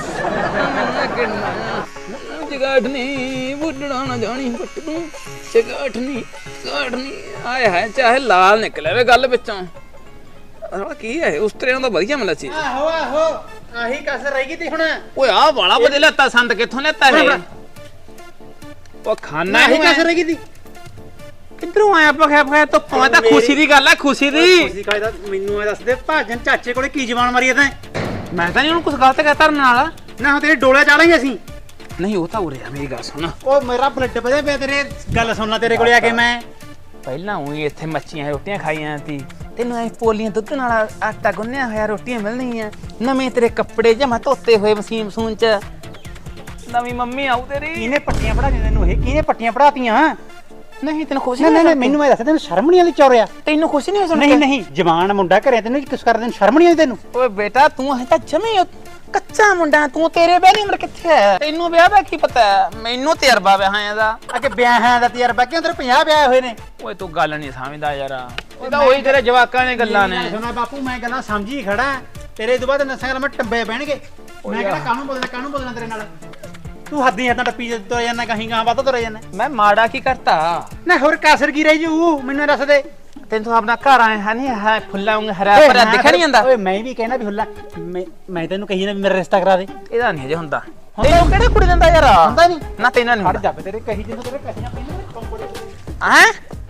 ਜਗਾਠ ਨਹੀਂ ਬੁੱਢਣਾ ਨਾ ਜਾਣੀ ਪੱਟ ਨੂੰ ਜਗਾਠ ਨਹੀਂ ਗਾਠ ਨਹੀਂ ਆਏ ਹੈ ਚਾਹੇ ਲਾਲ ਨਿਕਲੇ ਵੇ ਗੱਲ ਵਿੱਚੋਂ। ਸਾਲਾ ਕੀ ਹੈ ਉਸ ਤਰ੍ਹਾਂ ਦਾ ਵਧੀਆ ਮੱਛੀ
ਆਹੋ ਆਹੋ ਆਹੀ ਕਸਰ ਰਹਿ ਗਈ ਤੇ ਹੁਣ
ਓਏ ਆ ਵਾਲਾ ਬਦੇ ਲੈਤਾ ਸੰਦ ਕਿੱਥੋਂ ਲੈਤਾ ਇਹ ਉਹ ਖਾਣਾ
ਆਹੀ
ਹੀ
ਕਸਰ ਰਹਿ ਗਈ ਤੀ
ਕਿੱਧਰੋਂ ਆਇਆ ਪਖਿਆ ਪਖਿਆ ਤੋਂ ਪਾ ਤਾਂ ਖੁਸ਼ੀ ਦੀ ਗੱਲ ਹੈ ਖੁਸ਼ੀ ਦੀ
ਤੁਸੀਂ ਕਹਿੰਦਾ ਮੈਨੂੰ ਇਹ ਦੱਸ ਦੇ ਭਾਜਨ ਚਾਚੇ ਕੋਲੇ ਕੀ ਜਵਾਨ ਮਾਰੀ ਤੈਂ
ਮੈਂ ਤਾਂ ਨਹੀਂ ਉਹਨੂੰ ਕੁਝ ਗਲਤ ਕਹਿ ਧਰਨ ਨਾਲ
ਨਾ ਹੁਣ ਤੇਰੇ ਡੋਲੇ ਚਾਲਾਂਗੇ ਅਸੀਂ
ਨਹੀਂ ਉਹ ਤਾਂ ਉਰੇ ਆ ਮੇਰੀ ਗੱਲ ਸੁਣ
ਉਹ ਮੇਰਾ ਬਲੱਡ ਵਧਿਆ ਪਿਆ ਤੇਰੇ ਗੱਲ ਸੁਣਨਾ ਤੇਰੇ ਕੋਲੇ ਆ ਕੇ ਮੈਂ
ਪਹਿਲਾਂ ਉਹੀ ਇੱਥੇ ਮੱਛੀਆਂ ਰੋਟੀਆਂ ਖਾਈਆਂ ਸੀ ਤੈਨੂੰ ਐ ਪੋਲੀਆਂ ਦੁੱਧ ਨਾਲ ਆਟਾ ਗੁੰਨਿਆ ਹੋਇਆ ਰੋਟੀਆਂ ਮਿਲਣੀਆਂ ਨਵੇਂ ਤੇਰੇ ਕੱਪੜੇ ਜਮਾ ਧੋਤੇ ਹੋਏ ਮਸੀਨ ਮਸੂਨ ਚ ਨਵੀਂ ਮੰਮੀ ਆਉ ਤੇਰੀ
ਕਿਹਨੇ ਪੱਟੀਆਂ ਪੜਾਈਆਂ ਤੈਨੂੰ ਇਹ ਕਿਹਨੇ ਪੱਟੀਆਂ ਪੜਾਤੀਆਂ
ਨਹੀਂ ਤੈਨੂੰ ਖੁਸ਼ੀ
ਨਹੀਂ ਨਹੀਂ ਮੈਨੂੰ ਇਹ ਦੱਸ ਤੈਨੂੰ ਸ਼ਰਮ ਨਹੀਂ ਆਉਂਦੀ ਚੌਰਿਆ
ਤੈਨੂੰ ਖੁਸ਼ੀ ਨਹੀਂ ਸੁਣ
ਨਹੀਂ ਨਹੀਂ ਜਵਾਨ ਮੁੰਡਾ ਘਰੇ ਤੈਨੂੰ ਕਿਸ ਕਰਦੇ ਤੈਨੂੰ ਸ਼ਰਮ ਨਹੀਂ ਆਉਂਦੀ ਤੈਨੂੰ
ਓਏ ਬੇਟਾ ਤੂੰ ਹੈ ਤਾਂ ਜਮੀ ਕੱਚਾ ਮੁੰਡਾ ਤੂੰ ਤੇਰੇ ਵਿਆਹ ਦੀ ਉਮਰ ਕਿੱਥੇ ਹੈ ਤੈਨੂੰ ਵਿਆਹ ਦਾ ਕੀ ਪਤਾ ਮੈਨੂੰ ਤਜਰਬਾ ਵਿਆਹਾਂ ਦਾ
ਅੱਗੇ ਵਿਆਹਾਂ ਦਾ ਤਜਰਬਾ ਕਿਉਂ ਤੇਰੇ ਪੰਜਾਹ ਵਿਆਹ ਹੋਏ ਨੇ
ਓਏ ਤੂੰ ਗੱਲ ਨਹੀਂ ਸਮਝਦਾ ਯਾਰ ਇਹ ਤਾਂ ਉਹੀ ਤੇਰੇ ਜਵਾਕਾਂ ਨੇ ਗੱਲਾਂ ਨੇ
ਸੁਣਾ ਬਾਪੂ ਮੈਂ ਗੱਲਾਂ ਸਮਝੀ ਖੜਾ ਤੇਰੇ ਤੋਂ ਬਾਅਦ ਨਸਾਂ ਗੱਲ ਮੈਂ ਟੱਬੇ ਬਹਿਣਗੇ ਮੈਂ ਕਿਹੜਾ ਕਾਹਨੂੰ ਬੋਲਣਾ ਕਾਹਨੂੰ ਬੋਲਣਾ ਤੇਰੇ ਨਾਲ ਤੂੰ ਹੱਦੀ ਹੱਦਾਂ ਟੱਪੀ ਤੁਰ ਜਾਂਦਾ ਕਹੀਂ ਗਾਂ ਵੱਧ ਤੁਰ ਜਾਂਦਾ
ਮੈਂ ਮਾੜਾ ਕੀ ਕਰਤਾ
ਨਾ ਹੋਰ ਕਾਸਰ ਕੀ ਰਹੀ ਜੂ ਮੈਨੂੰ ਦੱਸ ਦੇ
ਤੈਨੂੰ ਤਾਂ ਆਪਣਾ ਘਰ ਆਏ ਹੈ ਨਹੀਂ ਹੈ ਫੁੱਲਾ ਉਂਗ ਹਰਾ ਭਰਿਆ ਦਿਖ ਨਹੀਂ ਜਾਂਦਾ
ਓਏ ਮੈਂ ਵੀ ਕਹਿਣਾ ਵੀ ਹੁੱਲਾ ਮੈਂ ਮੈਂ ਤੈਨੂੰ ਕਹੀ ਨਾ ਵੀ ਮੇਰਾ ਰਿਸ਼ਤਾ ਕਰਾ ਦੇ
ਇਹਦਾ ਨਹੀਂ ਹਜੇ ਹੁੰਦਾ ਤੈਨੂੰ ਕਿਹੜਾ ਕੁੜੀ ਦਿੰਦਾ ਯਾਰ
ਹੁੰਦਾ ਨਹੀਂ
ਨਾ ਤੈਨਾਂ ਨਹੀਂ
ਹਟ ਜਾ ਤੇਰੇ ਕਹੀ ਜਿੰਨੂੰ ਤੇਰੇ ਕਹੀਆਂ ਪਈਆਂ
ਹੈ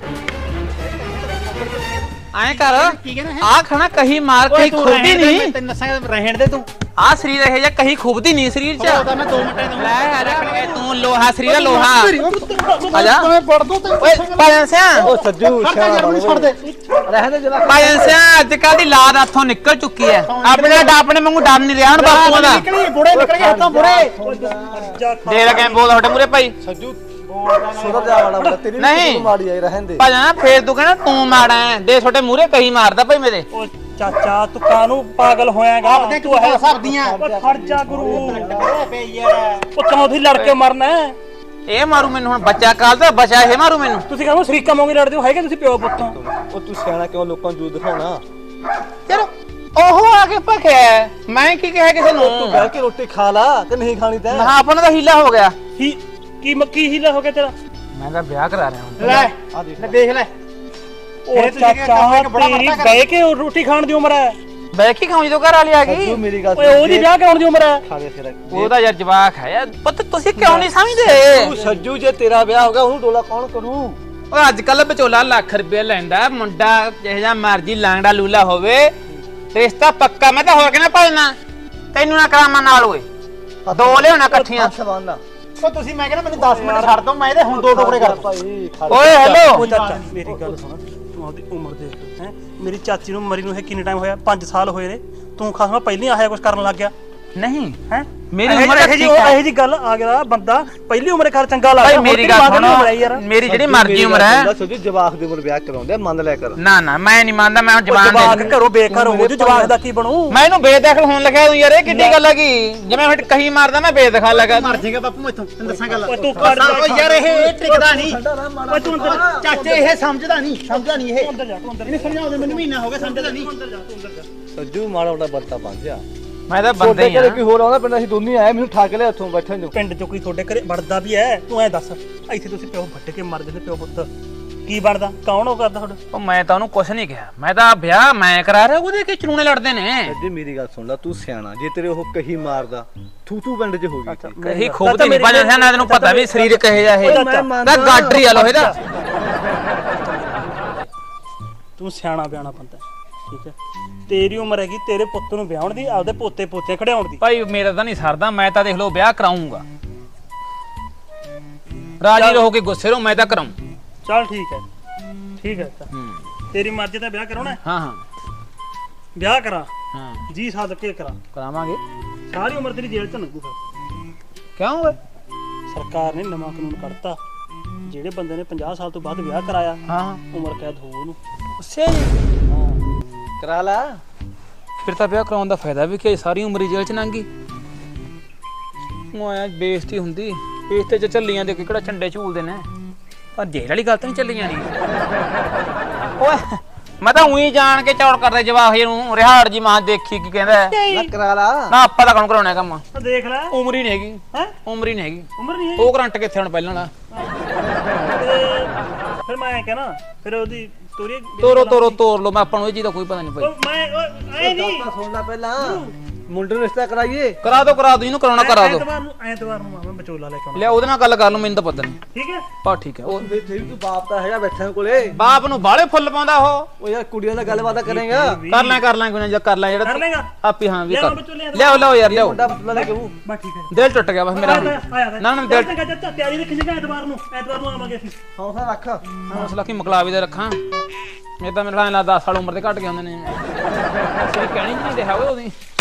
ਐਂ ਕਰ
ਕੀ ਕਹਿਣਾ
ਆ ਖਾਣਾ ਕਹੀ ਮਾਰ ਕਹੀ ਖੁੱਬਦੀ ਨਹੀਂ
ਤੈਨੂੰ ਨਸਾਂ ਰਹਿਣ ਦੇ ਤੂੰ
ਆ ਸਰੀਰ ਇਹ ਜਾਂ ਕਹੀ ਖੁੱਬਦੀ ਨਹੀਂ ਸਰੀਰ ਚ
ਉਹ ਤਾਂ ਮੈਂ ਦੋ ਮਿੰਟਾਂ ਦੂੰ
ਲੈ ਆ ਜਾ ਤੂੰ ਲੋਹਾ ਸਰੀਰ ਦਾ ਲੋਹਾ ਆ ਜਾ
ਮੈਂ ਵੜ ਦੂੰ ਤੇ
ਓਏ ਪਾਇਨ ਸਿਆ
ਉਹ ਸੱਜੂ
ਛੱਡ ਦੇ
ਰਹਿਣ ਦੇ ਜਰਾ
ਪਾਇਨ ਸਿਆ ਅੱਜ ਕੱਲ ਦੀ ਲਾਦ ਹੱਥੋਂ ਨਿਕਲ ਚੁੱਕੀ ਹੈ ਆਪਣੇ ਆਪਣੇ ਵਾਂਗੂ ਡਰ ਨਹੀਂ ਰਿਹਾ ਹੁਣ ਬਾਪੂਆਂ ਦਾ
ਨਿਕਲੀ ਬੁੜੇ ਨਿਕਲ ਗਏ ਹੱਥੋਂ ਬੁੜੇ
ਦੇ ਲਗੇ ਬੋਲ ਤੁਹਾਡੇ ਮੂਰੇ ਭਾਈ
ਸੱਜੂ ਸੁਧਰ ਜਾ ਵਾਲਾ ਬੜਾ ਤੇਰੀ
ਨਹੀਂ।
ਮਾੜੀ ਆਈ ਰਹਿਣ ਦੇ
ਭਾਜਾ ਫੇਰ ਤੂੰ ਕਹਿੰਦਾ ਤੂੰ ਮਾੜਾ ਹੈ ਦੇ ਤੁਹਾਡੇ ਮੂਰੇ ਕਹੀ ਮਾਰਦਾ ਭਾਈ ਮੇਰੇ
ਓ ਚਾਚਾ ਤੂੰ ਕਾਹਨੂੰ ਪਾਗਲ ਹੋਇਆਗਾ
ਆਪਦੇ ਤੂੰ ਹੈ ਸਰਦੀਆਂ
ਓ ਖੜ ਜਾ ਗੁਰੂ
ਬੇ ਯਾਰ
ਉਹ ਚੌਥੀ ਲੜ ਕੇ ਮਰਨਾ ਹੈ।
ਇਹ ਮਾਰੂ ਮੈਨੂੰ ਹੁਣ ਬੱਚਾ ਕਾਲ ਦਾ ਬਚਾ ਇਹ ਮਾਰੂ ਮੈਨੂੰ
ਤੁਸੀਂ ਕਹਿੰਦੇ ਸ਼ਰੀਕਾ ਮੋਂਗੇ ਲੜਦੇ ਹੋ ਹੈਗੇ ਤੁਸੀਂ ਪਿਓ ਪੁੱਤੋਂ
ਉਹ ਤੂੰ ਸਿਆਣਾ ਕਿਉਂ ਲੋਕਾਂ ਨੂੰ ਜੂ ਦਿਖਾਉਣਾ
ਯਾਰ ਉਹ ਆ ਕੇ ਭਖਿਆ ਮੈਂ ਕੀ ਕਿਹਾ ਕਿਸੇ ਨੂੰ
ਤੂੰ ਬਹਿ ਕੇ ਰੋਟੀ ਖਾ ਲਾ ਕਿ ਨਹੀਂ ਖਾਣੀ ਤੈਂ
ਹਾਂ ਆਪਣਾ ਤਾਂ ਹੀਲਾ ਹੋ ਗਿਆ
ਹੀ ਕੀ ਮੱਕੀ ਹੀਲਾ ਹੋ ਗਿਆ ਤੇਰਾ
ਮੈਂ ਤਾਂ ਵਿਆਹ ਕਰਾ ਰਿਹਾ ਹੁਣ
ਲੈ
ਆ ਦੇਖ
ਲੈ ਦੇਖ ਲੈ
ਉਹ ਚਾਚਾ ਤੇਰੀ ਬਹਿ ਕੇ ਰੋਟੀ ਖਾਣ ਦੀ ਉਮਰ ਹੈ
ਬੈ ਕੀ ਖਾਉਂ ਜਦੋਂ ਘਰ ਵਾਲੀ ਆ ਗਈ
ਸੱਜੂ ਮੇਰੀ ਗੱਲ
ਓਏ ਉਹਦੀ ਵਿਆਹ ਕਰਾਉਣ ਦੀ ਉਮਰ ਹੈ
ਖਾ ਦੇ ਤੇਰਾ
ਉਹਦਾ ਯਾਰ ਜਵਾਕ ਹੈ ਯਾਰ ਪੁੱਤ ਤੁਸੀਂ ਕਿਉਂ ਨਹੀਂ ਸਮਝਦੇ
ਤੂੰ ਸੱਜੂ ਜੇ ਤੇਰਾ ਵਿਆਹ ਹੋ ਗਿਆ ਉਹਨੂੰ ਡੋਲਾ ਕੌਣ ਕਰੂ
ਓਏ ਅੱਜ ਕੱਲ ਵਿਚੋਲਾ ਲੱਖ ਰੁਪਏ ਲੈਂਦਾ ਮੁੰਡਾ ਜਿਹੋ ਜਿਹਾ ਮਰਜੀ ਲਾਂਗੜਾ ਲੂਲਾ ਹੋਵੇ ਰਿਸ਼ਤਾ ਪੱਕਾ ਮੈਂ ਤਾਂ ਹੋਰ ਕਿਹਨੇ ਭਾਲਣਾ ਤੈਨੂੰ ਨਾ ਕਰਾਵਾਂ ਨਾਲ ਓਏ ਦੋ ਲਿਆਉਣਾ ਇਕੱਠੀਆਂ
ਸਵਾਨਾ
ਉਹ ਤੁਸੀਂ ਮੈਂ ਕਹਿੰਦਾ ਮੈਨੂੰ ਦਸ ਮਿੰਟ ਛੱਡ ਦੋ ਮੈਂ ਇਹਦੇ ਹੁਣ ਦੋ ਟੁਕੜੇ ਕਰ
ਭਾਈ ਖਾ
ਓਏ ਹੈਲੋ
ਉਹ ਚਾਚਾ ਮੇਰੀ ਗੱਲ ਸੁਣ ਤੂੰ ਉਹਦੀ ਉਮਰ ਦੇਖ ਹੈ ਮੇਰੀ ਚਾਚੀ ਨੂੰ ਮਰੀ ਨੂੰ ਇਹ ਕਿੰਨੇ ਟਾਈਮ ਹੋਇਆ ਪੰਜ ਸਾਲ ਹੋਏ ਨੇ ਤੂੰ ਖਾਸਾ ਪਹਿਲਾਂ ਆਇਆ ਕੁਝ ਕਰਨ ਲੱਗ ਗਿਆ
ਨਹੀਂ
ਹੈ
ਮੇਰੀ ਉਮਰ
ਇਹ ਜੀ ਇਹ ਜੀ ਗੱਲ ਆ ਗਿਆ ਬੰਦਾ ਪਹਿਲੀ ਉਮਰੇ ਘਰ ਚੰਗਾ ਲੱਗਦਾ
ਭਾਈ ਮੇਰੀ ਗੱਲ ਸੁਣੋ ਮੇਰੀ ਜਿਹੜੀ ਮਰਜ਼ੀ ਉਮਰ ਹੈ
ਸੱਜੂ ਜਵਾਕ ਦੀ ਉਮਰ ਵਿਆਹ ਕਰਾਉਂਦੇ ਮੰਨ ਲਿਆ ਕਰ
ਨਾ ਨਾ ਮੈਂ ਨਹੀਂ ਮੰਨਦਾ ਮੈਂ ਜਵਾਨ
ਜਵਾਕ ਘਰੋਂ ਬੇਘਰ ਹੋ ਜੂ ਜਵਾਕ ਦਾ ਕੀ ਬਣੂ
ਮੈਂ ਇਹਨੂੰ ਬੇਦਖਲ ਹੋਣ ਲੱਗਿਆ ਤੂੰ ਯਾਰ ਇਹ ਕਿੱਡੀ ਗੱਲ ਹੈਗੀ ਜਿਵੇਂ ਹੁਣ ਕਹੀ ਮਾਰਦਾ ਮੈਂ ਬੇਦਖਲ ਲੱਗਾ
ਮਰ ਜਾਏਗਾ ਬਾਪੂ ਮੈਥੋਂ ਤੈਨੂੰ ਦੱਸਾਂ ਗੱਲ
ਓਏ ਤੂੰ ਕੱਢ
ਓ ਯਾਰ ਇਹ ਇਹ ਟਿਕਦਾ ਨਹੀਂ
ਓਏ ਤੂੰ ਅੰਦਰ
ਚਾਚੇ ਇਹ ਸਮਝਦਾ ਨਹੀਂ ਸਮਝਦਾ ਨਹੀਂ ਇਹ
ਅੰਦਰ ਜਾ ਤੂੰ ਅੰਦਰ
ਇਹਨੇ ਸਮਝਾਉਂਦੇ ਮੈਨੂੰ ਮਹੀਨਾ ਹੋ ਗਿਆ ਸਮਝਦਾ ਨਹੀਂ
ਅੰਦਰ ਜਾ ਤੂੰ ਅੰਦਰ ਜਾ
ਸੱਜੂ ਮਾੜਾ ਮੋਟਾ ਬੰਤਾ ਬਣ ਜਾ
ਮੈਂ ਤਾਂ ਬੰਦੇ
ਛੋਟੇ
ਹੀ ਆ
ਘਰੇ ਕੀ ਹੋਰ ਆਉਂਦਾ ਪਿੰਡ ਅਸੀਂ ਦੋਨੇ ਆਏ ਮੈਨੂੰ ਠਾਕ ਲਿਆ ਉੱਥੋਂ ਬੈਠੇ ਨੂੰ
ਪਿੰਡ ਚੋਂ ਕੋਈ ਤੁਹਾਡੇ ਘਰੇ ਵੜਦਾ ਵੀ ਐ ਤੂੰ ਐ ਦੱਸ ਇੱਥੇ ਤੁਸੀਂ ਪਿਓ ਵੱਟ ਕੇ ਮਰ ਜਾਂਦੇ ਪਿਓ ਪੁੱਤ ਕੀ ਬਣਦਾ ਕੌਣ ਉਹ ਕਰਦਾ ਤੁਹਾਡਾ
ਉਹ ਮੈਂ ਤਾਂ ਉਹਨੂੰ ਕੁਛ ਨਹੀਂ ਕਿਹਾ ਮੈਂ ਤਾਂ ਵਿਆਹ ਮੈਂ ਕਰਾ ਰਿਹਾ ਉਹਦੇ ਕਿ ਚਰੂਣੇ ਲੜਦੇ ਨੇ
ਸੱਜੇ ਮੇਰੀ ਗੱਲ ਸੁਣ ਲੈ ਤੂੰ ਸਿਆਣਾ ਜੇ ਤੇਰੇ ਉਹ ਕਹੀ ਮਾਰਦਾ ਥੂ ਥੂ ਪਿੰਡ 'ਚ ਹੋ ਗਈ ਸੀ।
ਕਹੀ ਖੂਬਦੀ ਨਹੀਂ ਪਾਜਾ ਸਿਆ ਨਾ ਤੈਨੂੰ ਪਤਾ ਵੀ ਸਰੀਰ ਕਹੇ ਜਾ ਇਹ
ਮੈਂ ਮੰਨਦਾ।
ਦਾ ਗਾਡਰੀ ਆ ਲੋਹੇ ਦਾ
ਤੂੰ ਸਿਆਣਾ ਬਿਆਣਾ ਬੰਦਾ ਠੀਕ ਹੈ ਤੇਰੀ ਉਮਰ ਹੈਗੀ ਤੇਰੇ ਪੁੱਤ ਨੂੰ ਵਿਆਹਣ ਦੀ ਆਪਦੇ ਪੋਤੇ ਪੋਤੇ ਖੜਿਆਉਣ ਦੀ
ਭਾਈ ਮੇਰਾ ਤਾਂ ਨਹੀਂ ਸਰਦਾ ਮੈਂ ਤਾਂ ਦੇਖ ਲਓ ਵਿਆਹ ਕਰਾਉਂਗਾ ਰਾਜੀ ਰਹੋ ਕਿ ਗੁੱਸੇ ਰਹੋ ਮੈਂ ਤਾਂ ਕਰਾਉਂ
ਚੱਲ ਠੀਕ ਹੈ ਠੀਕ ਹੈ ਤਾਂ
ਹੂੰ
ਤੇਰੀ ਮਰਜ਼ੀ ਦਾ ਵਿਆਹ ਕਰਾਉਣਾ ਹੈ?
ਹਾਂ ਹਾਂ
ਵਿਆਹ ਕਰਾ
ਹਾਂ
ਜੀ ਸਾਧ ਕੇ ਕਰਾ
ਕਰਾਵਾਂਗੇ
ਸਾਰੀ ਉਮਰ ਤੇਰੀ ਜੇਲ੍ਹ ਚ ਲੰਘੂ ਫਿਰ
ਕਿਉਂ ਓਏ
ਸਰਕਾਰ ਨੇ ਨਵਾਂ ਕਾਨੂੰਨ ਕੱਢਤਾ ਜਿਹੜੇ ਬੰਦੇ ਨੇ ਪੰਜਾਹ ਸਾਲ ਤੋਂ ਬਾਅਦ ਵਿਆਹ ਕਰਾਇਆ
ਹਾਂ
ਉਮਰ ਕੈਦ ਹੋਊ ਉਹਨੂੰ
ਉਸੇ ਜੀ
ਹਾਂ
ਕਰਾ ਲਾ
ਫਿਰ ਤਾਂ ਵਿਆਹ ਕਰਾਉਣ ਦਾ ਫਾਇਦਾ ਵੀ ਕਿ ਸਾਰੀ ਉਮਰ ਹੀ ਜੇਲ੍ਹ ਚ ਲੰਘੀ ਉਹ ਆਇਆ ਬੇਇੱਜ਼ਤੀ ਹੁੰਦੀ ਬੇਇੱਜ਼ਤੀ ਚ ਚੱਲੀਆਂ ਦੇ ਕਿਹੜਾ ਝੰਡੇ ਝੂਲਦੇ ਨੇ ਪਰ ਜੇਲ੍ਹ ਵਾਲੀ ਗੱਲ ਤਾਂ ਨਹੀਂ ਚੱਲੀਆਂ ਨਹੀਂ ਓਏ ਮੈਂ ਤਾਂ ਉਹੀ ਜਾਣ ਕੇ ਚੌੜ ਕਰਦੇ ਜਵਾਹ ਨੂੰ ਰਿਹਾੜ ਜੀ ਮਾਂ ਦੇਖੀ ਕੀ ਕਹਿੰਦਾ
ਨਾ ਕਰਾ ਲਾ
ਨਾ ਆਪਾਂ ਤਾਂ ਕੌਣ ਕਰਾਉਣਾ ਕੰਮ
ਆ ਦੇਖ ਲੈ
ਉਮਰ ਹੀ ਨਹੀਂ ਹੈਗੀ
ਹੈ
ਉਮਰ ਹੀ ਨਹੀਂ ਹੈਗੀ
ਉਮਰ ਨਹੀਂ
ਉਹ ਕਰੰਟ ਕਿੱਥੇ ਹੁਣ ਪਹਿਲਾਂ ਵਾਲਾ
ਫਿਰ ਮੈਂ ਕਹਿਣਾ ਫਿਰ ਉਹਦੀ ਤੋਰੀ
ਤੋਰੋ ਤੋਰੋ ਤੋਰ ਲੋ, ਮੈਂ ਆਪਾਂ ਨੂੰ ਇਹ ਚੀਜ਼ ਦਾ ਕੋਈ ਪਤਾ ਨਹੀਂ ਭਾਈ।
ਉਹ ਮੈਂ ਉਹ ਐ ਨਹੀਂ
ਗੱਲ ਸੁਣਨਾ ਪਹਿਲਾਂ ਮੁੰਡੇ ਨੂੰ ਰਿਸ਼ਤਾ ਕਰਾਈਏ।
ਕਰਾ ਦੋ ਕਰਾ ਦੋ, ਇਹਨੂੰ ਕਰਾਉਣਾ ਕਰਾ ਦੋ।
ਐਤਵਾਰ ਨੂੰ ਐਤਵਾਰ ਨੂੰ ਮੈਂ ਵਿਚੋਲਾ ਲੈ ਕੇ ਆਉਣਾ।
ਲਿਆ ਉਹਦੇ ਨਾਲ ਗੱਲ ਕਰ ਲਓ, ਮੈਨੂੰ ਤਾਂ ਪਤਾ ਨਹੀਂ।
ਠੀਕ ਹੈ
ਪਾ ਠੀਕ ਹੈ। ਉਹ
ਫਿਰ ਫਿਰ ਤੂੰ ਬਾਪ ਤਾਂ ਹੈਗਾ ਬੈਠਾ ਕੋਲੇ।
ਬਾਪ ਨੂੰ ਬਾਲੇ ਫੁੱਲ ਪਾਉਂਦਾ ਉਹ।
ਉਹ ਯਾਰ ਕੁੜੀਆਂ ਨਾਲ ਗੱਲਬਾਤ ਕਰੇਗਾ।
ਕਰ ਲੈ ਕਰ ਲੈ ਕੋਈ ਨਾ, ਜੇ ਕਰ ਲੈ
ਕਰ
ਜਿਹੜਾ
ਲੇਗਾ
ਆਪੀ। ਹਾਂ ਵੀ
ਲਿਆਓ
ਕਰ
ਵਿਚੋਲੇ ਐਤਵਾਰ।
ਲਿਆਓ ਲਿਆਓ ਯਾਰ ਲਿਆਓ।
ਮੁੰਡਾ ਬਤਲਾ ਲੈ ਕੇ ਉਹ
ਬਸ ਠੀਕ ਹੈ
ਦਿਲ ਟੁੱਟ ਗਿਆ ਬਸ ਮੇਰਾ।
ਆਇਆ ਆਇਆ
ਨਾ ਨਾ ਦਿਲ
ਚੰਗਾ ਚਾਚਾ ਤਿਆਰੀ ਰੱਖੀ ਜਗਾ ਐਤਵਾਰ ਨੂੰ ਐਤਵਾਰ ਨੂੰ ਆਵਾਂਗੇ ਅਸੀਂ।
ਹੌਸਲਾ ਰੱਖ।
ਹੌਸਲਾ ਕੀ ਮਕਲਾਵੀ ਦਾ ਰੱਖਾਂ। ਇਹ ਤਾਂ ਮੇਰੇ ਨਾਲ ਦਸ ਸਾਲ ਉਮਰ ਦੇ ਘੱਟ ਗਏ ਹੁੰਦੇ ਨੇ। ਅਸੀਂ ਕਹਿਣੀ ਨਹੀਂ ਰਿਹਾ ਓਏ ਉਹਦੀ।